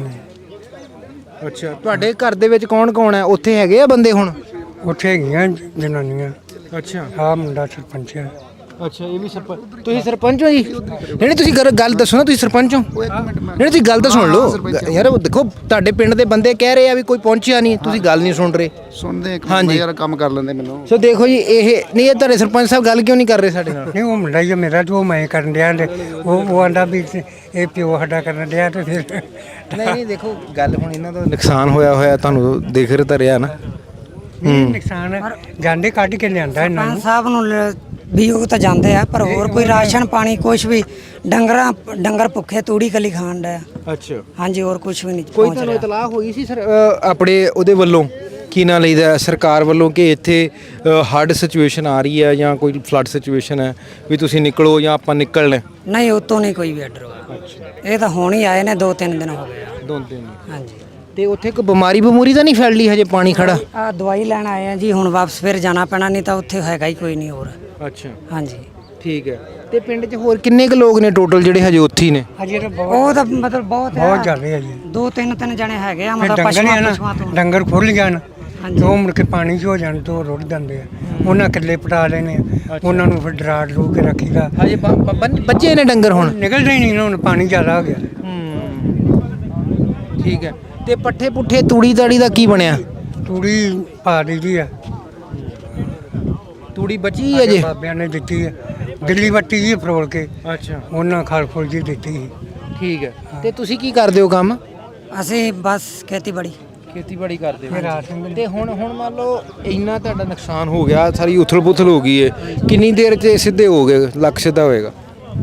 [SPEAKER 1] ਅੱਛਾ। ਤੁਹਾਡੇ ਘਰ ਦੇ ਵਿੱਚ ਕੌਣ ਕੌਣ ਹੈ? ਉੱਥੇ ਹੈਗੇ ਆ ਬੰਦੇ ਹੁਣ?
[SPEAKER 3] ਉੱਥੇ ਹੈਗੀਆਂ ਜਨਾਨੀਆਂ।
[SPEAKER 1] ਅੱਛਾ।
[SPEAKER 3] ਆਹ ਮੁੰਡਾ ਸਰਪੰਚ ਹੈ।
[SPEAKER 1] ਅੱਛਾ, ਇਹ ਵੀ ਸਰਪੰਚ? ਤੁਸੀਂ ਸਰਪੰਚ ਹੋ ਜੀ? ਨਹੀਂ, ਤੁਸੀਂ ਗੱਲ ਦੱਸੋ ਨਾ, ਤੁਸੀਂ ਸਰਪੰਚ ਹੋ? ਨਹੀਂ, ਤੁਸੀਂ ਗੱਲ ਤਾਂ ਸੁਣ ਲਓ ਯਾਰ। ਉਹ ਦੇਖੋ, ਤੁਹਾਡੇ ਪਿੰਡ ਦੇ ਬੰਦੇ ਕਹਿ ਰਹੇ ਆ ਵੀ ਕੋਈ ਪਹੁੰਚਿਆ ਨਹੀਂ, ਤੁਸੀਂ ਗੱਲ ਨਹੀਂ ਸੁਣ ਰਹੇ।
[SPEAKER 4] ਸੁਣਦੇ ਇੱਕ ਮਿੰਟ ਯਾਰ, ਕੰਮ ਕਰ ਲੈਂਦੇ ਮੈਨੂੰ।
[SPEAKER 1] ਸੋ ਦੇਖੋ ਜੀ, ਇਹ ਨਹੀਂ, ਇਹ ਤੁਹਾਡੇ ਸਰਪੰਚ ਸਾਹਿਬ ਗੱਲ ਕਿਉਂ ਨਹੀਂ ਕਰ ਰਹੇ ਸਾਡੇ ਨਾਲ?
[SPEAKER 3] ਨਹੀਂ, ਉਹ ਮੁੰਡਾ ਹੀ ਆ ਮੇਰਾ, ਤੇ ਉਹ ਮੈਂ ਕਰਨ ਡਿਆ ਤੇ ਉਹ ਆਂਦਾ ਵੀ ਇਹ ਪਿਓ ਸਾਡਾ ਕਰਨ ਡਿਆ ਤੇ ਫਿਰ
[SPEAKER 1] ਨਹੀਂ, ਦੇਖੋ ਗੱਲ ਹੁਣ ਇਹਨਾਂ ਦਾ ਨੁਕਸਾਨ ਹੋਇਆ ਤੁਹਾਨੂੰ ਦੇਖ ਰਿਹਾ ਤਾਂ ਰਿਹਾ ਨਾ।
[SPEAKER 3] ਨੁਕਸਾਨ ਹੈ, ਜਾਂਦੇ ਕੱਢ ਕੇ ਲਿਆਂਦਾ ਇਹਨਾਂ ਨੂੰ।
[SPEAKER 2] ਸਰਪੰਚ ਸਾਹਿਬ ਨੂੰ ਵੀ ਉਹ ਤਾਂ ਜਾਂਦੇ ਆ, ਪਰ ਹੋਰ ਕੋਈ ਰਾਸ਼ਨ ਪਾਣੀ ਕੁਝ ਵੀ, ਡੰਗਰ ਭੁੱਖੇ ਤੂੜੀ ਕੱਲੀ ਖਾਣ ਦਾ।
[SPEAKER 1] ਅੱਛਾ।
[SPEAKER 2] ਹਾਂਜੀ, ਹੋਰ ਕੁਝ ਵੀ ਨਹੀਂ
[SPEAKER 1] ਕੋਈ
[SPEAKER 2] ਪਹੁੰਚ
[SPEAKER 1] ਤੁਹਾਨੂੰ
[SPEAKER 2] ਰਿਹਾ।
[SPEAKER 1] ਇਤਲਾਹ ਹੋਈ ਸੀ ਸਰ ਆਪਣੇ ਉਹਦੇ ਵੱਲੋਂ, ਕੀ ਨਾਂ ਲਈਦਾ ਸਰਕਾਰ ਵੱਲੋਂ, ਕਿ ਇੱਥੇ ਹੜ੍ਹ ਸਿਚੁਏਸ਼ਨ ਆ ਰਹੀ ਹੈ ਜਾਂ ਕੋਈ ਫਲੱਡ ਸਿਚੁਏਸ਼ਨ ਹੈ ਵੀ ਤੁਸੀਂ ਨਿਕਲੋ ਜਾਂ ਆਪਾਂ ਨਿਕਲਣਾ?
[SPEAKER 2] ਨਹੀਂ, ਉਤੋਂ ਨਹੀਂ ਕੋਈ ਵੀ ਆਰਡਰ ਹੋਇਆ। ਇਹ ਤਾਂ ਹੁਣ ਹੀ ਆਏ ਨੇ, 2-3 ਦਿਨ ਹੋ ਗਏ ਆ।
[SPEAKER 1] 2 ਦਿਨ?
[SPEAKER 2] ਹਾਂਜੀ।
[SPEAKER 1] ਤੇ ਉੱਥੇ ਕੋਈ ਬਿਮਾਰੀ ਤਾਂ ਨਹੀਂ ਫੈਲ ਲਈ ਹਜੇ ਪਾਣੀ ਖੜਾ?
[SPEAKER 2] ਆ ਦਵਾਈ ਲੈਣ ਆਏ ਆ ਜੀ, ਹੁਣ ਵਾਪਸ ਫਿਰ ਜਾਣਾ ਪੈਣਾ, ਨਹੀਂ ਤਾਂ ਉੱਥੇ ਹੈਗਾ ਹੀ ਕੋਈ ਨਹੀਂ ਹੋਰ।
[SPEAKER 1] ਅੱਛਾ।
[SPEAKER 2] ਹਾਂਜੀ।
[SPEAKER 1] ਠੀਕ ਹੈ। ਤੇ ਪਿੰਡ 'ਚ ਹੋਰ ਕਿੰਨੇ ਕੁ ਲੋਕ ਨੇ ਟੋਟਲ ਜਿਹੜੇ ਹਜੇ ਉੱਥੇ ਹੀ ਨੇ?
[SPEAKER 3] ਅਜੇ ਤਾਂ
[SPEAKER 2] ਉਹ ਤਾਂ ਮਤਲਬ ਬਹੁਤ
[SPEAKER 3] ਜ਼ਿਆਦਾ ਆ ਜੀ।
[SPEAKER 2] 2-3 ਜਣੇ ਹੈਗੇ ਆ,
[SPEAKER 3] ਫਿਰ
[SPEAKER 2] ਮਤਲਬ
[SPEAKER 3] ਡੰਗਰ
[SPEAKER 2] ਪਸ਼ੂਆਂ ਤੋਂ।
[SPEAKER 3] ਡੰਗਰ ਖੁੱਲ ਜਾਣ
[SPEAKER 2] ਹਾਂਜੀ।
[SPEAKER 3] ਤੇ ਉਹ ਮੁੜ ਕੇ ਪਾਣੀ 'ਚ ਹੋ ਜਾਣ ਤੇ ਉਹ ਰੁੜ ਜਾਂਦੇ ਆ। ਉਹਨਾਂ ਕਿੱਲੇ ਪਟਾ ਲੈਣੇ ਆ, ਉਹਨਾਂ ਨੂੰ ਫਿਰ ਡਰਾ ਡਰੂ ਕੇ ਰੱਖੀਦਾ।
[SPEAKER 1] ਹਜੇ ਬੱਜੇ ਨੇ ਡੰਗਰ ਹੁਣ?
[SPEAKER 3] ਨਿਕਲਦੇ ਹੀ ਨਹੀਂ ਨਾ, ਹੁਣ ਪਾਣੀ ਜ਼ਿਆਦਾ ਹੋ ਗਿਆ।
[SPEAKER 1] ਠੀਕ ਹੈ। ਤੇ ਪੱਠੇ ਪੁੱਠੇ ਤੂੜੀ ਤਾੜੀ ਦਾ ਕੀ ਬਣਿਆ?
[SPEAKER 3] ਤੂੜੀ ਪਾ ਦਿੱਤੀ ਆ,
[SPEAKER 1] ਤੂੜੀ ਬਚੀ ਹੈ ਜੇ?
[SPEAKER 3] ਬਾਬਿਆਂ ਨੇ ਦਿੱਤੀ ਹੈ, ਦਿੱਲੀ ਵੱਟੀ ਜੀ ਫਰੋਲ ਕੇ।
[SPEAKER 1] ਅੱਛਾ।
[SPEAKER 3] ਉਹਨਾਂ ਖਲ ਫੁੱਲ ਜੀ ਦਿੱਤੀ ਸੀ।
[SPEAKER 1] ਠੀਕ ਹੈ। ਤੇ ਤੁਸੀਂ ਕੀ ਕਰਦੇ ਹੋ ਕੰਮ?
[SPEAKER 2] ਅਸੀਂ ਬਸ ਖੇਤੀਬਾੜੀ
[SPEAKER 1] ਖੇਤੀਬਾੜੀ ਕਰਦੇ ਹੋ?
[SPEAKER 3] ਰਾਸ਼ਨ
[SPEAKER 1] ਤੇ ਹੁਣ ਮੰਨ ਲਓ ਇੰਨਾ ਤੁਹਾਡਾ ਨੁਕਸਾਨ ਹੋ ਗਿਆ, ਸਾਰੀ ਉਥਲ ਪੁਥਲ ਹੋ ਗਈ ਹੈ, ਕਿੰਨੀ ਦੇਰ 'ਚ ਸਿੱਧੇ ਹੋ ਗਏ, ਲੱਖ ਸਿੱਧਾ ਹੋਏਗਾ?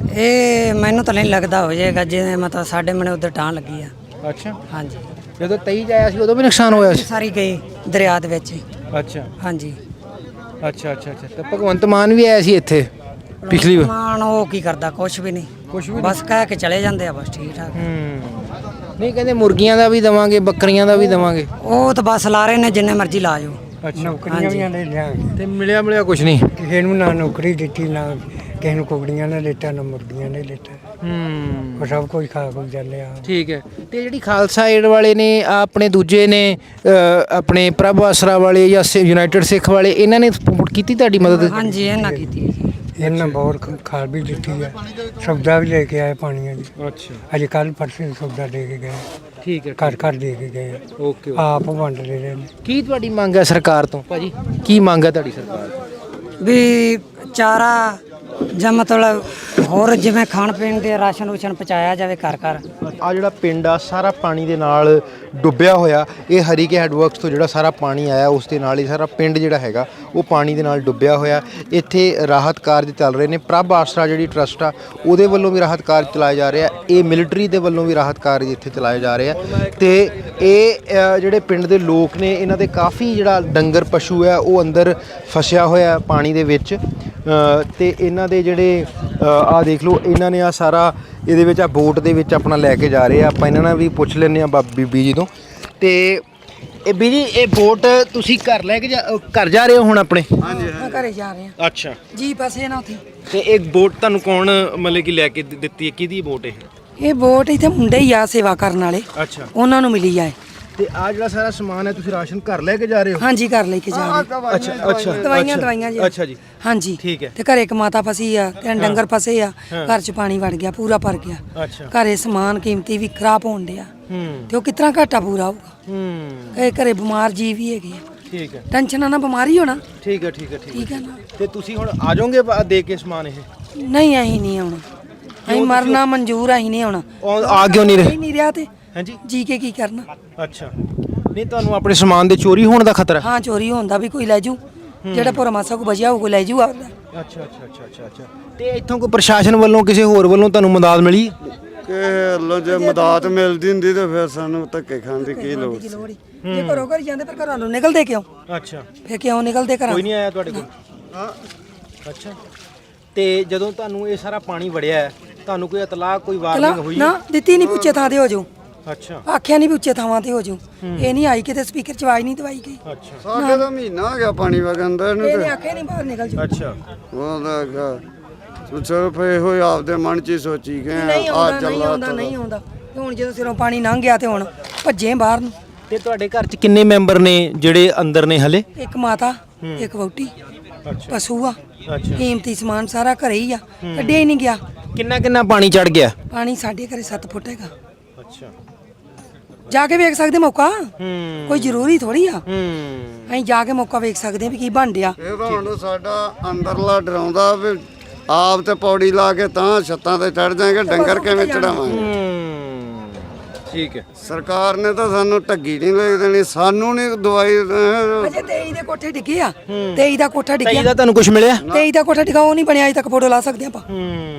[SPEAKER 2] ਇਹ ਮੈਨੂੰ ਤਾਂ ਨਹੀਂ ਲੱਗਦਾ ਹੋ ਜਾਏਗਾ, ਜਿਵੇਂ ਮਤਲਬ ਸਾਡੇ ਮਨੇ ਉਧਰ ਟਾਂ ਲੱਗੀ ਆ।
[SPEAKER 1] ਅੱਛਾ।
[SPEAKER 2] ਹਾਂਜੀ।
[SPEAKER 1] ਜਦੋਂ 23 'ਚ ਆਇਆ ਸੀ ਉਦੋਂ ਵੀ ਨੁਕਸਾਨ ਹੋਇਆ ਸੀ?
[SPEAKER 2] ਸਾਰੀ ਗਈ ਦਰਿਆ ਦੇ ਵਿੱਚ।
[SPEAKER 1] ਅੱਛਾ
[SPEAKER 2] ਹਾਂਜੀ।
[SPEAKER 1] ਅੱਛਾ। ਤੇ ਭਗਵੰਤ ਮਾਨ ਵੀ ਆਇਆ ਸੀ ਇੱਥੇ ਪਿਛਲੀ ਵਾਰ?
[SPEAKER 2] ਮਾਨ ਉਹ ਕੀ ਕਰਦਾ? ਕੁਝ ਵੀ ਨਹੀਂ,
[SPEAKER 1] ਕੁਛ ਵੀ
[SPEAKER 2] ਬਸ ਕਹਿ ਕੇ ਚਲੇ ਜਾਂਦੇ ਆ, ਬਸ ਠੀਕ ਠਾਕ।
[SPEAKER 1] ਨਹੀਂ, ਕਹਿੰਦੇ ਮੁਰਗੀਆਂ ਦਾ ਵੀ ਦੇਵਾਂਗੇ, ਬੱਕਰੀਆਂ ਦਾ ਵੀ ਦੇਵਾਂਗੇ।
[SPEAKER 2] ਉਹ ਤਾਂ ਬਸ ਲਾ ਰਹੇ ਨੇ, ਜਿੰਨੇ ਮਰਜ਼ੀ ਲਾ ਜਾਓ।
[SPEAKER 1] ਅੱਛਾ।
[SPEAKER 3] ਨੌਕਰੀਆਂ ਵੀ ਆਂਦੇ ਲਿਆਂਗੇ
[SPEAKER 1] ਤੇ ਮਿਲਿਆ ਕੁਝ ਨਹੀਂ
[SPEAKER 3] ਕਿਸੇ ਨੂੰ, ਨਾ ਨੌਕਰੀ ਦਿੱਤੀ, ਨਾ ਕਿਸੇ ਨੂੰ ਕੁਕੜੀਆਂ ਨੇ ਦਿੱਤਾ, ਨਾ ਮੁਰਗੀਆਂ ਨੇ ਦਿੱਤਾ। ਉਹ ਸਭ ਕੁਝ ਖਾ ਖੁ ਜਾਂਦੇ ਆ।
[SPEAKER 1] ਠੀਕ ਹੈ। ਤੇ ਜਿਹੜੀ ਖਾਲਸਾ ਏਡ ਵਾਲੇ ਨੇ, ਆਪਣੇ ਦੂਜੇ ਨੇ ਆਪਣੇ ਪ੍ਰਭ ਆਸਰਾ ਵਾਲੇ ਜਾਂ ਯੂਨਾਈਟਿਡ ਸਿੱਖ ਵਾਲੇ, ਇਹਨਾਂ ਨੇ ਕੀਤੀ ਤੁਹਾਡੀ ਮਦਦ?
[SPEAKER 2] ਹਾਂਜੀ, ਇਹਨਾਂ ਕੀਤੀ ਹੈ ਜੀ।
[SPEAKER 3] ਇਹਨਾਂ ਬਹੁਤ ਖਾਲ ਵੀ ਦਿੱਤੀ ਹੈ, ਸਬਜ਼ਾ ਵੀ ਲੈ ਕੇ ਆਏ ਪਾਣੀਆਂ ਦੀ।
[SPEAKER 1] ਅੱਛਾ।
[SPEAKER 3] ਅੱਜ ਕੱਲ ਪਰਸੇ ਸਬਜ਼ਾ ਦੇ ਕੇ ਗਏ,
[SPEAKER 1] ਠੀਕ ਹੈ।
[SPEAKER 3] ਘਰ ਦੇ ਕੇ ਗਏ ਆ।
[SPEAKER 1] ਓਕੇ।
[SPEAKER 3] ਆਪ ਵੰਡ ਰਹੇ ਨੇ।
[SPEAKER 1] ਕੀ ਤੁਹਾਡੀ ਮੰਗ ਹੈ ਸਰਕਾਰ ਤੋਂ ਭਾਜੀ? ਕੀ ਮੰਗ ਹੈ ਤੁਹਾਡੀ ਸਰਕਾਰ ਤੋਂ?
[SPEAKER 2] ਵੀ ਚਾਰਾ ਜਾਂ ਮਤਲਬ ਹੋਰ ਜਿਵੇਂ ਖਾਣ ਪੀਣ ਦੇ ਰਾਸ਼ਨ ਰੂਸ਼ਨ ਪਹੁੰਚਾਇਆ ਜਾਵੇ ਘਰ ਘਰ।
[SPEAKER 1] ਆ ਜਿਹੜਾ ਪਿੰਡ ਆ ਸਾਰਾ ਪਾਣੀ ਦੇ ਨਾਲ ਡੁੱਬਿਆ ਹੋਇਆ, ਇਹ ਹਰੀਕੇ ਹੈਡਵਰਕਸ ਤੋਂ ਜਿਹੜਾ ਸਾਰਾ ਪਾਣੀ ਆਇਆ ਉਸ ਦੇ ਨਾਲ ਹੀ ਸਾਰਾ ਪਿੰਡ ਜਿਹੜਾ ਹੈਗਾ ਉਹ ਪਾਣੀ ਦੇ ਨਾਲ ਡੁੱਬਿਆ ਹੋਇਆ। ਇੱਥੇ ਰਾਹਤ ਕਾਰਜ ਚੱਲ ਰਹੇ ਨੇ। ਪ੍ਰਭ ਆਸਰਾ ਜਿਹੜੀ ਟਰਸਟ ਆ ਉਹਦੇ ਵੱਲੋਂ ਵੀ ਰਾਹਤ ਕਾਰਜ ਚਲਾਏ ਜਾ ਰਹੇ ਆ, ਇਹ ਮਿਲਟਰੀ ਦੇ ਵੱਲੋਂ ਵੀ ਰਾਹਤ ਕਾਰਜ ਇੱਥੇ ਚਲਾਏ ਜਾ ਰਹੇ ਆ। ਤੇ ਇਹ ਜਿਹੜੇ ਪਿੰਡ ਦੇ ਲੋਕ ਨੇ, ਇਹਨਾਂ ਦੇ ਕਾਫੀ ਜਿਹੜਾ ਡੰਗਰ ਪਸ਼ੂ ਹੈ ਉਹ ਅੰਦਰ ਫਸਿਆ ਹੋਇਆ ਪਾਣੀ ਦੇ ਵਿੱਚ। ਤੇ ਇਹਨਾਂ ਦੇ ਜਿਹੜੇ ਆ ਦੇਖ ਲਓ, ਇਹਨਾਂ ਨੇ ਆ ਸਾਰਾ ਇਹਦੇ ਵਿੱਚ ਆ ਬੋਟ ਦੇ ਵਿੱਚ ਆਪਣਾ ਲੈ ਕੇ ਜਾ ਰਹੇ ਆ। ਆਪਾਂ ਇਹਨਾਂ ਨਾਲ ਵੀ ਪੁੱਛ ਲੈਂਦੇ ਆ ਬੀਬੀ ਜੀ ਤੋਂ। ਤੇ ਇਹ ਬੀਜੀ, ਇਹ ਬੋਟ ਤੁਸੀਂ ਘਰ ਲੈ ਕੇ ਘਰ ਜਾ ਰਹੇ ਹੋ ਹੁਣ ਆਪਣੇ?
[SPEAKER 6] ਹਾਂਜੀ, ਮੈਂ ਘਰੇ ਜਾ ਰਿਹਾ।
[SPEAKER 1] ਅੱਛਾ
[SPEAKER 6] ਜੀ ਪਾਸੇ ਨਾ ਉੱਥੇ।
[SPEAKER 1] ਤੇ ਇਹ ਬੋਟ ਤੁਹਾਨੂੰ ਕੌਣ ਮਤਲਬ ਕਿ ਲੈ ਕੇ ਦਿੱਤੀ ਹੈ? ਕਿਹਦੀ ਬੋਟ ਇਹ
[SPEAKER 6] ਬੋਟ ਇੱਥੇ ਮੁੰਡੇ ਹੀ ਆ ਸੇਵਾ ਕਰਨ ਵਾਲੇ,
[SPEAKER 1] ਅੱਛਾ।
[SPEAKER 6] ਉਹਨਾਂ ਨੂੰ ਮਿਲੀ ਆ।
[SPEAKER 1] ਤੇ ਆ ਜਿਹੜਾ ਸਾਰਾ ਸਮਾਨ ਹੈ ਤੁਸੀਂ ਰਾਸ਼ਨ ਘਰ ਲੈ ਕੇ ਜਾ ਰਹੇ ਹੋ?
[SPEAKER 6] ਹਾਂਜੀ, ਘਰ ਲੈ ਕੇ ਜਾ ਰਹੇ।
[SPEAKER 1] ਅੱਛਾ
[SPEAKER 6] ਦਵਾਈਆਂ ਜੀ।
[SPEAKER 1] ਅੱਛਾ ਜੀ।
[SPEAKER 6] ਹਾਂਜੀ,
[SPEAKER 1] ਠੀਕ ਹੈ।
[SPEAKER 6] ਤੇ ਘਰੇ ਇੱਕ ਮਾਤਾ ਫਸੀ ਆ, ਤੇ ਡੰਗਰ ਫਸੇ ਆ, ਘਰ 'ਚ ਪਾਣੀ ਵੜ ਗਿਆ, ਪੂਰਾ ਭਰ ਗਿਆ।
[SPEAKER 1] ਅੱਛਾ।
[SPEAKER 6] ਘਰੇ ਸਮਾਨ ਕੀਮਤੀ ਵੀ ਖਰਾਬ ਹੋਣ ਡਿਆ। ਤੇ ਉਹ ਕਿਤਨਾ ਘਾਟਾ ਪੂਰਾ ਹੋਊਗਾ। ਕਈ ਘਰੇ ਬਿਮਾਰ ਜੀ ਵੀ ਹੈਗੇ ਆ,
[SPEAKER 1] ਠੀਕ ਹੈ
[SPEAKER 6] ਟੈਨਸ਼ਨ ਨਾਲ ਬਿਮਾਰੀ ਹੋਣਾ।
[SPEAKER 1] ਠੀਕ ਹੈ ਠੀਕ ਹੈ ਠੀਕ
[SPEAKER 6] ਠੀਕ ਹੈ ਨਾ।
[SPEAKER 1] ਤੇ ਤੁਸੀਂ ਹੁਣ ਆ ਜਾਓਗੇ ਦੇ ਕੇ ਸਮਾਨ ਇਹ
[SPEAKER 6] ਨਹੀਂ ਅਸੀਂ ਨਹੀਂ ਆਉਣਾ, ਅਸੀਂ ਮਰਨਾ ਮਨਜ਼ੂਰ, ਅਸੀਂ ਨਹੀਂ ਆਉਣਾ।
[SPEAKER 1] ਆ ਕਿਉਂ ਨਹੀਂ ਰਹੇ?
[SPEAKER 6] ਨਹੀਂ ਰਿਹਾ ਤੇ
[SPEAKER 1] ਹਾਂਜੀ
[SPEAKER 6] ਜੀ ਕੇ ਕੀ ਕਰਨਾ।
[SPEAKER 1] ਅੱਛਾ ਨਹੀਂ ਤੁਹਾਨੂੰ ਆਪਣੇ ਸਮਾਨ ਦੇ ਚੋਰੀ ਹੋਣ ਦਾ ਖਤਰਾ?
[SPEAKER 6] ਹਾਂ ਚੋਰੀ ਹੁੰਦਾ ਵੀ ਕੋਈ ਲੈ ਜੂ, ਜਿਹੜਾ ਭੋਰਾ ਮਾਸਾ ਕੋ ਬਚਿਆ ਉਹ ਲੈ ਜੂ ਆਪਦਾ।
[SPEAKER 1] ਅੱਛਾ ਅੱਛਾ ਅੱਛਾ ਅੱਛਾ ਅੱਛਾ ਤੇ ਇੱਥੋਂ ਕੋਈ ਪ੍ਰਸ਼ਾਸਨ ਵੱਲੋਂ ਕਿਸੇ ਹੋਰ ਵੱਲੋਂ ਤੁਹਾਨੂੰ ਮਦਦ ਮਿਲੀ?
[SPEAKER 5] ਕਿ ਲੋ ਜੇ ਮਦਦ ਮਿਲਦੀ ਹੁੰਦੀ ਤੇ ਫਿਰ ਸਾਨੂੰ ਧੱਕੇ ਖਾਣ ਦੀ ਕੀ ਲੋੜ ਸੀ।
[SPEAKER 6] ਜੇ ਘਰੋਂ ਘਰ ਜਾਂਦੇ ਪਰ ਘਰਾਂ ਨੂੰ ਨਿਕਲਦੇ ਕਿਉਂ?
[SPEAKER 1] ਅੱਛਾ
[SPEAKER 6] ਫੇਰ ਕਿਉਂ ਨਿਕਲਦੇ ਘਰਾਂ?
[SPEAKER 1] ਕੋਈ ਨਹੀਂ ਆਇਆ ਤੁਹਾਡੇ ਕੋਲ? ਅੱਛਾ ਤੇ ਜਦੋਂ ਤੁਹਾਨੂੰ ਇਹ ਸਾਰਾ ਪਾਣੀ ਵੜਿਆ ਹੈ, ਤੁਹਾਨੂੰ ਕੋਈ ਇਤਲਾਹ ਕੋਈ ਵਾਰਨਿੰਗ ਹੋਈ?
[SPEAKER 6] ਨਾ ਦਿੱਤੀ ਨਹੀਂ, ਪੁੱਛੇ ਥਾਂ ਤੇ ਹੋ ਜਾਊ।
[SPEAKER 1] ਅੱਛਾ
[SPEAKER 6] ਆਖਿਆ ਨਹੀਂ ਵੀ ਉੱਚੇ ਥਾਵਾਂ ਤੇ ਹੋ ਜਾਊ। ਇਹ ਨਹੀਂ ਆਈ ਕਿਤੇ ਸਪੀਕਰ ਚ ਆਵਾਜ਼ ਨਹੀਂ ਦਵਾਈ ਗਈ।
[SPEAKER 1] ਅੱਛਾ
[SPEAKER 5] ਸਾਡੇ ਤਾਂ ਮਹੀਨਾ ਹੋ ਗਿਆ ਪਾਣੀ ਵਗੰਦਾ ਇਹਨੂੰ
[SPEAKER 6] ਇਹਨੇ
[SPEAKER 5] ਤੇ
[SPEAKER 6] ਆਖਿਆ ਨਹੀਂ ਬਾਹਰ ਨਿਕਲ ਜਾਊ।
[SPEAKER 1] ਅੱਛਾ
[SPEAKER 5] ਉਹਦਾ ਸਿਰਫ ਇਹੋ ਹੀ ਆਪਦੇ ਮਨ 'ਚ ਹੀ ਸੋਚੀ ਗਏ
[SPEAKER 6] ਨਹੀਂ
[SPEAKER 5] ਆ
[SPEAKER 6] ਆਉਂਦਾ, ਨਹੀਂ
[SPEAKER 5] ਚੱਲਾ
[SPEAKER 6] ਆਉਂਦਾ, ਨਹੀਂ ਆਉਂਦਾ। ਤੇ ਹੁਣ ਜਦੋਂ ਸਿਰੋਂ ਪਾਣੀ ਲੰਘ ਗਿਆ ਤੇ ਹੁਣ ਭੱਜੇ ਬਾਹਰ ਨੂੰ।
[SPEAKER 1] ਤੇ ਤੁਹਾਡੇ ਘਰ 'ਚ ਕਿੰਨੇ ਮੈਂਬਰ ਨੇ ਜਿਹੜੇ ਅੰਦਰ ਨੇ ਹਲੇ?
[SPEAKER 6] ਇੱਕ ਮਾਤਾ, ਇੱਕ ਵਹੁਟੀ,
[SPEAKER 1] ਅੱਛਾ
[SPEAKER 6] ਪਸ਼ੂ ਆ,
[SPEAKER 1] ਅੱਛਾ
[SPEAKER 6] ਕੀਮਤੀ ਸਮਾਨ ਸਾਰਾ ਘਰੇ ਹੀ ਆ, ਕੱਢਿਆ ਹੀ ਨਹੀਂ ਗਿਆ।
[SPEAKER 1] ਕਿੰਨਾ ਪਾਣੀ ਚੜ ਗਿਆ?
[SPEAKER 6] ਪਾਣੀ ਸਾਡੇ ਘਰੇ 7 ਫੁੱਟ ਹੈਗਾ।
[SPEAKER 1] ਅੱਛਾ
[SPEAKER 6] ਜਾ ਕੇ ਵੇਖ ਸਕਦੇ ਮੌਕਾ,
[SPEAKER 1] ਹੂੰ
[SPEAKER 6] ਕੋਈ ਜ਼ਰੂਰੀ ਥੋੜੀ ਆ।
[SPEAKER 1] ਹੂੰ
[SPEAKER 6] ਅਸੀਂ ਜਾ ਕੇ ਮੌਕਾ ਵੇਖ ਸਕਦੇ ਆ ਵੀ ਕੀ ਬਣ ਡਿਆ।
[SPEAKER 5] ਇਹ ਤਾਂ ਹੁਣ ਸਾਡਾ ਅੰਦਰਲਾ ਡਰਾਉਂਦਾ ਵੀ ਆਪ ਤੇ ਪੌੜੀ ਲਾ ਕੇ ਤਾਂ ਛੱਤਾਂ ਤੇ ਚੜ ਜਾਏਗਾ, ਡੰਗਰ ਕਿਵੇਂ ਚੜਾਵਾਂਗੇ।
[SPEAKER 1] ਠੀਕ ਹੈ
[SPEAKER 5] ਸਰਕਾਰ ਨੇ ਤਾਂ ਸਾਨੂੰ ਢੱਗੀ ਨਹੀਂ ਲੈ ਦੇਣੀ, ਸਾਨੂੰ ਨਹੀਂ ਦਵਾਈ
[SPEAKER 6] ਅਜੇ 23 ਦੇ ਕੋਠੇ ਡਿੱਗੇ ਆ, 23 ਦਾ ਕੋਠਾ
[SPEAKER 1] ਤਾਂ
[SPEAKER 6] ਡਿੱਗਿਆ।
[SPEAKER 1] ਇਹਦਾ ਤੁਹਾਨੂੰ ਕੁਝ ਮਿਲਿਆ?
[SPEAKER 6] 23 ਦਾ ਕੋਠਾ ਡਿੱਗਾ, ਉਹ ਨਹੀਂ ਬਣਿਆ ਅਜੇ ਤੱਕ, ਫੋਟੋ ਲਾ ਸਕਦੇ ਆਪਾਂ।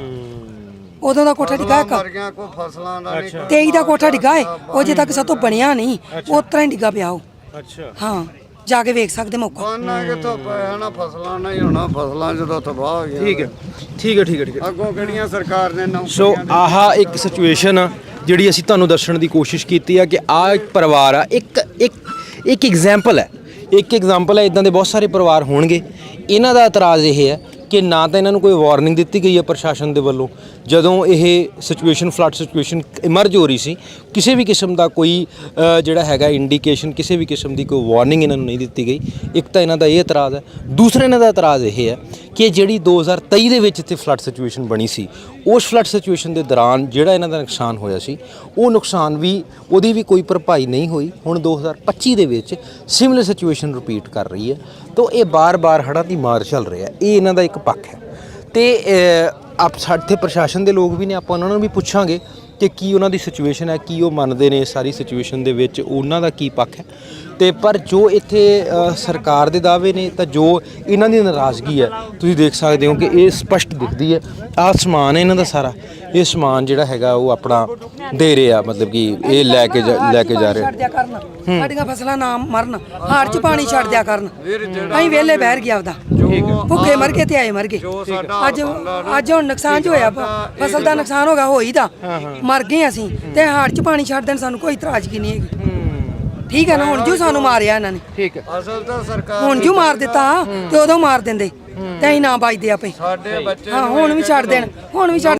[SPEAKER 6] ਉਦੋਂ ਦਾ ਕੋਠਾ ਡਿੱਗਾ ਇੱਕ,
[SPEAKER 5] ਮਰ ਗਿਆ, ਕੋਈ ਫਸਲਾਂ ਦਾ ਨਹੀਂ
[SPEAKER 6] 23 ਦਾ ਕੋਠਾ ਡਿੱਗਾ ਏ, ਉਹ ਅਜੇ ਤੱਕ ਸਾਤੋਂ ਬਣਿਆ ਨਹੀਂ, ਉਸ ਤਰ੍ਹਾਂ ਹੀ ਡਿੱਗਾ ਪਿਆ ਉਹ।
[SPEAKER 1] ਅੱਛਾ
[SPEAKER 6] ਹਾਂ ਜਾ ਕੇ ਵੇਖ ਸਕਦੇ ਮੌਕਾ।
[SPEAKER 5] ਖਾਣਾ ਕਿੱਥੋਂ ਪਿਆ ਨਾ, ਫਸਲਾਂ ਨਹੀਂ ਹੋਣਾ, ਫਸਲਾਂ ਜਦੋਂ ਤਬਾਹ ਹੋ ਗਈਆਂ।
[SPEAKER 1] ਠੀਕ ਹੈ ਠੀਕ ਹੈ ਠੀਕ ਹੈ ਠੀਕ ਹੈ
[SPEAKER 5] ਅੱਗੋਂ ਕਿਹੜੀਆਂ ਸਰਕਾਰ ਨੇ
[SPEAKER 1] ਸੋ ਆਹ ਇੱਕ ਸਿਚੁਏਸ਼ਨ ਆ ਜਿਹੜੀ ਅਸੀਂ ਤੁਹਾਨੂੰ ਦੱਸਣ ਦੀ ਕੋਸ਼ਿਸ਼ ਕੀਤੀ ਆ ਕਿ ਆਹ ਇੱਕ ਪਰਿਵਾਰ ਆ, ਇੱਕ ਐਗਜ਼ਾਮਪਲ ਹੈ, ਇਦਾਂ ਦੇ ਬਹੁਤ ਸਾਰੇ ਪਰਿਵਾਰ ਹੋਣਗੇ। ਇਹਨਾਂ ਦਾ ਇਤਰਾਜ਼ ਇਹ ਹੈ ਕਿ ਨਾ ਤਾਂ ਇਹਨਾਂ ਨੂੰ ਕੋਈ ਵਾਰਨਿੰਗ ਦਿੱਤੀ ਗਈ ਹੈ ਪ੍ਰਸ਼ਾਸਨ ਦੇ ਵੱਲੋਂ, ਜਦੋਂ ਇਹ ਸਿਚੁਏਸ਼ਨ ਫਲੱਡ ਸਿਚੁਏਸ਼ਨ ਇਮਰਜ ਹੋ ਰਹੀ ਸੀ, ਕਿਸੇ ਵੀ ਕਿਸਮ ਦਾ ਕੋਈ ਜਿਹੜਾ ਹੈਗਾ ਇੰਡੀਕੇਸ਼ਨ, ਕਿਸੇ ਵੀ ਕਿਸਮ ਦੀ ਕੋਈ ਵਾਰਨਿੰਗ ਇਹਨਾਂ ਨੂੰ ਨਹੀਂ ਦਿੱਤੀ ਗਈ। ਇੱਕ ਤਾਂ ਇਹਨਾਂ ਦਾ ਇਹ ਇਤਰਾਜ਼ ਹੈ। ਦੂਸਰਾ ਇਹਨਾਂ ਦਾ ਇਤਰਾਜ਼ ਇਹ ਹੈ ਕਿ ਜਿਹੜੀ 2023 ਦੇ ਵਿੱਚ ਇੱਥੇ ਫਲੱਡ ਸਿਚੁਏਸ਼ਨ ਬਣੀ ਸੀ, ਉਸ ਫਲੱਡ ਸਿਚੁਏਸ਼ਨ ਦੇ ਦੌਰਾਨ ਜਿਹੜਾ ਇਹਨਾਂ ਦਾ ਨੁਕਸਾਨ ਹੋਇਆ ਸੀ, ਉਹ ਨੁਕਸਾਨ ਵੀ ਉਹਦੀ ਵੀ ਕੋਈ ਭਰਪਾਈ ਨਹੀਂ ਹੋਈ। ਹੁਣ 2025 ਦੇ ਵਿੱਚ ਸਿਮਿਲਰ ਸਿਚੁਏਸ਼ਨ ਰਿਪੀਟ ਕਰ ਰਹੀ ਹੈ, ਤਾਂ ਇਹ ਬਾਰ-ਬਾਰ ਹੜ੍ਹਾਂ ਦੀ ਮਾਰ ਚੱਲ ਰਿਹਾ। ਇਹ ਇਹਨਾਂ ਦਾ ਇੱਕ ਪੱਖ ਹੈ। ਤੇ ਆਪ ਸਾਡੇ ਪ੍ਰਸ਼ਾਸਨ ਦੇ ਲੋਕ ਵੀ ਨੇ, ਆਪਾਂ ਉਹਨਾਂ ਨੂੰ ਵੀ ਪੁੱਛਾਂਗੇ ਕਿ ਕੀ ਉਹਨਾਂ ਦੀ ਸਿਚੁਏਸ਼ਨ ਹੈ, ਕੀ ਉਹ ਮੰਨਦੇ ਨੇ ਸਾਰੀ ਸਿਚੁਏਸ਼ਨ ਦੇ ਵਿੱਚ, ਉਹਨਾਂ ਦਾ ਕੀ ਪੱਖ ਹੈ। ਤੇ ਪਰ ਜੋ ਇੱਥੇ ਸਰਕਾਰ ਦੇ ਦਾਅਵੇ ਨੇ, ਤਾਂ ਜੋ ਇਹਨਾਂ ਦੀ ਨਾਰਾਜ਼ਗੀ ਹੈ, ਤੁਸੀਂ ਦੇਖ ਸਕਦੇ ਹੋ ਕਿ ਇਹ ਸਪਸ਼ਟ ਦਿਖਦੀ ਹੈ। ਆਹ ਸਮਾਨ ਹੈ ਇਹਨਾਂ ਦਾ ਸਾਰਾ, ਇਹ ਸਮਾਨ ਜਿਹੜਾ ਹੈਗਾ ਉਹ ਆਪਣਾ ਦੇ ਰਹੇ ਆ, ਮਤਲਬ ਕਿ ਇਹ ਲੈ ਕੇ ਜਾ ਰਹੇ।
[SPEAKER 6] ਛੱਡ ਦਿਆ ਕਰਨ, ਸਾਡੀਆਂ ਫਸਲਾਂ ਨਾ ਮਰਨ, ਹਾੜ ਚ ਪਾਣੀ ਛੱਡ ਦਿਆ ਕਰਨ। ਅਸੀਂ ਵਿਹਲੇ ਬਹਿਰ ਗਿਆ ਆਪਦਾ, ਭੁੱਖੇ ਮਰ ਗਏ ਤੇ ਆਏ ਮਰ ਗਏ। ਅੱਜ ਹੁਣ ਨੁਕਸਾਨ ਜੋ ਹੋਇਆ, ਫਸਲ ਦਾ ਨੁਕਸਾਨ ਹੋ ਗਿਆ, ਹੋਈ ਦਾ ਮਰ ਗਏ ਅਸੀਂ, ਤੇ ਹਾੜ ਚ ਪਾਣੀ ਛੱਡ ਦੇਣ ਸਾਨੂੰ ਕੋਈ ਇਤਰਾਜ਼ਗੀ ਨਹੀਂ ਹੈਗੀ। ਠੀਕ ਹੈ ਨਾ। ਹੁਣ ਜੋ ਸਾਨੂੰ ਮਾਰਿਆ ਇਹਨਾਂ ਨੇ,
[SPEAKER 1] ਠੀਕ ਹੈ,
[SPEAKER 5] ਅਸਲ ਤਾਂ ਸਰਕਾਰ
[SPEAKER 6] ਹੁਣ ਜੋ ਮਾਰ ਦਿੱਤਾ ਤੇ ਉਦੋਂ ਮਾਰ ਦਿੰਦੇ ਤੇ ਅਸੀਂ ਨਾ ਬਚਦੇ ਆਪੇ।
[SPEAKER 5] ਸਾਡੇ ਬੱਚੇ
[SPEAKER 6] ਹਾਂ ਹੁਣ ਵੀ ਛੱਡ ਦੇਣ, ਹੁਣ ਵੀ ਛੱਡ